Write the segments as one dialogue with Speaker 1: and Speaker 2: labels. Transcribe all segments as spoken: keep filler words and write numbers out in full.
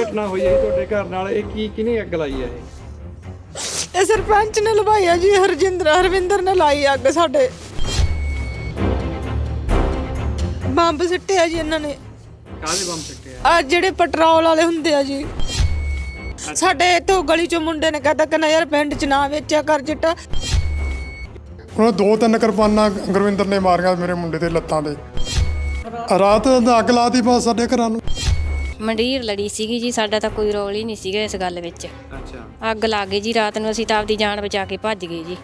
Speaker 1: ਘਟਨਾ ਹੋਈ ਹੈ ਤੁਹਾਡੇ ਘਰ ਨਾਲ, ਇਹ ਕੀ ਕਿਹਨੇ ਅੱਗ ਲਾਈ ਹੈ? ਇਹ
Speaker 2: ਇਹ ਸਰਪੰਚ ਨੇ ਲਵਾਈ ਆ ਜੀ, ਹਰਜਿੰਦਰ ਹਰਵਿੰਦਰ ਨੇ ਲਾਈ ਅੱਗ। ਸਾਡੇ ਬੰਬ ਸਿੱਟਿਆ ਜੀ ਇਹਨਾਂ ਨੇ।
Speaker 1: ਕਾਹਦੇ ਬੰਬ ਸਿੱਟੇ ਆ?
Speaker 2: ਆ ਜਿਹੜੇ ਪੈਟਰੋਲ ਵਾਲੇ ਹੁੰਦੇ ਆ ਜੀ। ਸਾਡੇ ਇੱਥੋਂ ਗਲੀ ਚੋਂ ਮੁੰਡੇ ਨੇ ਕਹਤਾ ਕਹਿੰਦਾ ਯਾਰ ਪਿੰਡ ਚ ਨਾ ਵੇਚਿਆ ਕਰ ਚਿੱਟਾ।
Speaker 3: ਉਹਨਾਂ ਦੋ ਤਿੰਨ ਕਿਰਪਾਨਾਂ ਗੁਰਵਿੰਦਰ ਨੇ ਮਾਰੀਆਂ ਮੇਰੇ ਮੁੰਡੇ ਦੇ ਲੱਤਾਂ ਤੇ। ਰਾਤ ਅੱਗ ਲਾਤੀ ਬਸ ਸਾਡੇ ਘਰਾਂ ਨੂੰ।
Speaker 4: ਮੰਡੀਰ ਲੜੀ ਸੀਗੀ ਜੀ, ਸਾਡਾ ਤਾਂ ਕੋਈ ਰੋਲ ਹੀ ਨਹੀਂ ਸੀਗਾ ਇਸ ਗੱਲ ਵਿੱਚ।
Speaker 1: ਅੱਛਾ,
Speaker 4: ਅੱਗ ਲੱਗ ਗਈ ਜੀ ਰਾਤ ਨੂੰ, ਅਸੀਂ ਤਾਂ ਆਪਦੀ ਜਾਨ ਬਚਾ ਕੇ ਭੱਜ ਗਏ ਜੀ।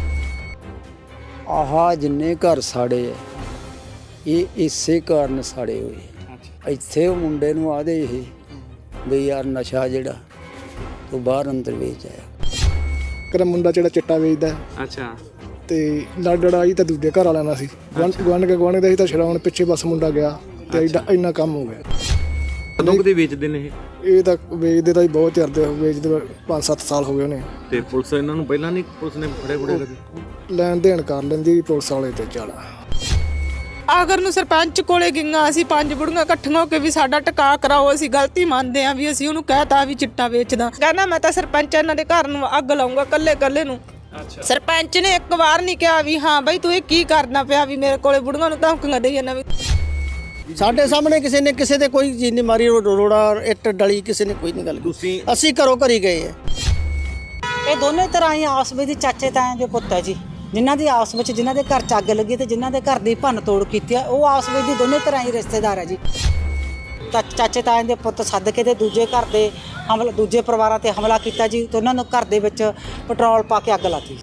Speaker 5: ਆਹ ਜਿੰਨੇ ਘਰ ਸਾੜੇ ਆ ਇਹ ਇਸੇ ਕਾਰਨ ਸਾੜੇ ਹੋਏ।
Speaker 1: ਅੱਛਾ,
Speaker 5: ਇੱਥੇ ਉਹ ਮੁੰਡੇ ਨੂੰ ਆਦੇ ਇਹ ਵੀ ਯਾਰ ਨਸ਼ਾ ਜਿਹੜਾ ਤੂੰ ਬਾਹਰ ਅੰਦਰ ਵੇਚ ਆਇਆ।
Speaker 6: ਕਰ ਮੁੰਡਾ ਜਿਹੜਾ ਚਿੱਟਾ ਵੇਚਦਾ
Speaker 1: ਅੱਛਾ,
Speaker 6: ਤੇ ਲੜ ਲੜਾਈ ਤਾਂ ਦੂਜੇ ਘਰ ਵਾਲਿਆਂ ਨਾਲ ਸੀ। ਗੁਆਂਢ ਕੇ ਗੁਆਂਢ ਦਾ ਸੀ ਤਾਂ ਛਡਾਉਣ ਪਿੱਛੇ ਬਸ ਮੁੰਡਾ ਗਿਆ ਤੇ ਐਡਾ ਇੰਨਾ ਕੰਮ ਹੋ ਗਿਆ।
Speaker 1: ਕਦੋਂ ਕਦੇ ਵੇਚਦੇ ਨੇ ਇਹ?
Speaker 6: ਇਹ ਤਾਂ ਵੇਚਦੇ ਤਾਂ ਹੀ ਬਹੁਤ ਚਿਰ ਦੇ ਵੇਚਦੇ, ਪੰਜ ਸੱਤ ਸਾਲ ਹੋ ਗਏ ਉਹਨੇ।
Speaker 1: ਤੇ ਪੁਲਿਸ ਇਹਨਾਂ ਨੂੰ ਪਹਿਲਾਂ ਨਹੀਂ, ਪੁਲਿਸ ਨੇ ਫੜੇ ਫੜੇ ਕਦੇ?
Speaker 6: ਲੈਣ ਦੇਣ ਕਰ ਲੈਂਦੀ ਪੁਲਿਸ ਵਾਲੇ ਤੇ ਚਾਲਾ।
Speaker 2: ਆਖਰ ਨੂੰ ਸਰਪੰਚ ਕੋਲੇ ਗਈਆਂ ਅਸੀਂ ਪੰਜ ਬੁੜੀਆਂ ਇਕੱਠੀਆਂ ਹੋ ਕੇ ਵੀ ਸਾਡਾ ਟਿਕਾ ਕਰਾਓ, ਅਸੀਂ ਗਲਤੀ ਮੰਨਦੇ ਆ ਵੀ ਅਸੀਂ ਉਹਨੂੰ ਕਹਿਤਾ ਵੀ ਚਿੱਟਾ ਵੇਚਦਾ। ਕਹਿੰਦਾ ਮੈਂ ਤਾਂ ਸਰਪੰਚ ਇਹਨਾਂ ਦੇ ਘਰ ਨੂੰ ਅੱਗ ਲਾਉਂਗਾ ਕੱਲੇ ਕੱਲੇ ਨੂੰ।
Speaker 1: ਅੱਛਾ,
Speaker 2: ਸਰਪੰਚ ਨੇ ਇੱਕ ਵਾਰ ਨਹੀਂ ਕਿਹਾ ਵੀ ਹਾਂ ਬਈ ਤੂੰ ਇਹ ਕੀ ਕਰਨਾ ਪਿਆ, ਵੀ ਮੇਰੇ ਕੋਲੇ ਬੁੜੀਆਂ ਨੂੰ ਧਮਕੀਆਂ ਦੇਈ ਜਾਂਦਾ। ਵੀ
Speaker 5: ਸਾਡੇ ਸਾਹਮਣੇ ਕਿਸੇ ਨੇ ਕਿਸੇ ਤੇ ਕੋਈ ਚੀਜ਼ ਨਹੀਂ ਮਾਰੀ, ਰੋੜਾ ਇੱਟ ਡਲੀ ਕਿਸੇ ਨੇ ਕੋਈ ਨਹੀਂ ਗੱਲ ਕੀਤੀ। ਅਸੀਂ ਘਰੋਂ ਘਰੀ ਗਏ ਆ।
Speaker 7: ਇਹ ਦੋਨੇ ਤਰ੍ਹਾਂ ਹੀ ਆਪਸ ਵਿੱਚ ਚਾਚੇ ਤਾਇਆਂ ਦੇ ਪੁੱਤ ਹੈ ਜੀ, ਜਿਨ੍ਹਾਂ ਦੀ ਆਪਸ ਵਿੱਚ ਜਿਨ੍ਹਾਂ ਦੇ ਘਰ ਚ ਅੱਗ ਲੱਗੀ ਤੇ ਜਿਨ੍ਹਾਂ ਦੇ ਘਰ ਦੀ ਭੰਨ ਤੋੜ ਕੀਤੀ ਆ, ਉਹ ਆਪਸ ਵਿੱਚ ਦੀ ਦੋਨੇ ਤਰ੍ਹਾਂ ਹੀ ਰਿਸ਼ਤੇਦਾਰ ਹੈ ਜੀ। ਤਾਂ ਚਾਚੇ ਤਾਇਆਂ ਦੇ ਪੁੱਤ ਸੱਦ ਕੇ ਤੇ ਦੂਜੇ ਘਰ ਦੇ ਹਮਲਾ, ਦੂਜੇ ਪਰਿਵਾਰਾਂ ਤੇ ਹਮਲਾ ਕੀਤਾ ਜੀ, ਤੇ ਉਹਨਾਂ ਨੂੰ ਘਰ ਦੇ ਵਿੱਚ ਪੈਟਰੋਲ ਪਾ ਕੇ ਅੱਗ ਲਾਤੀ।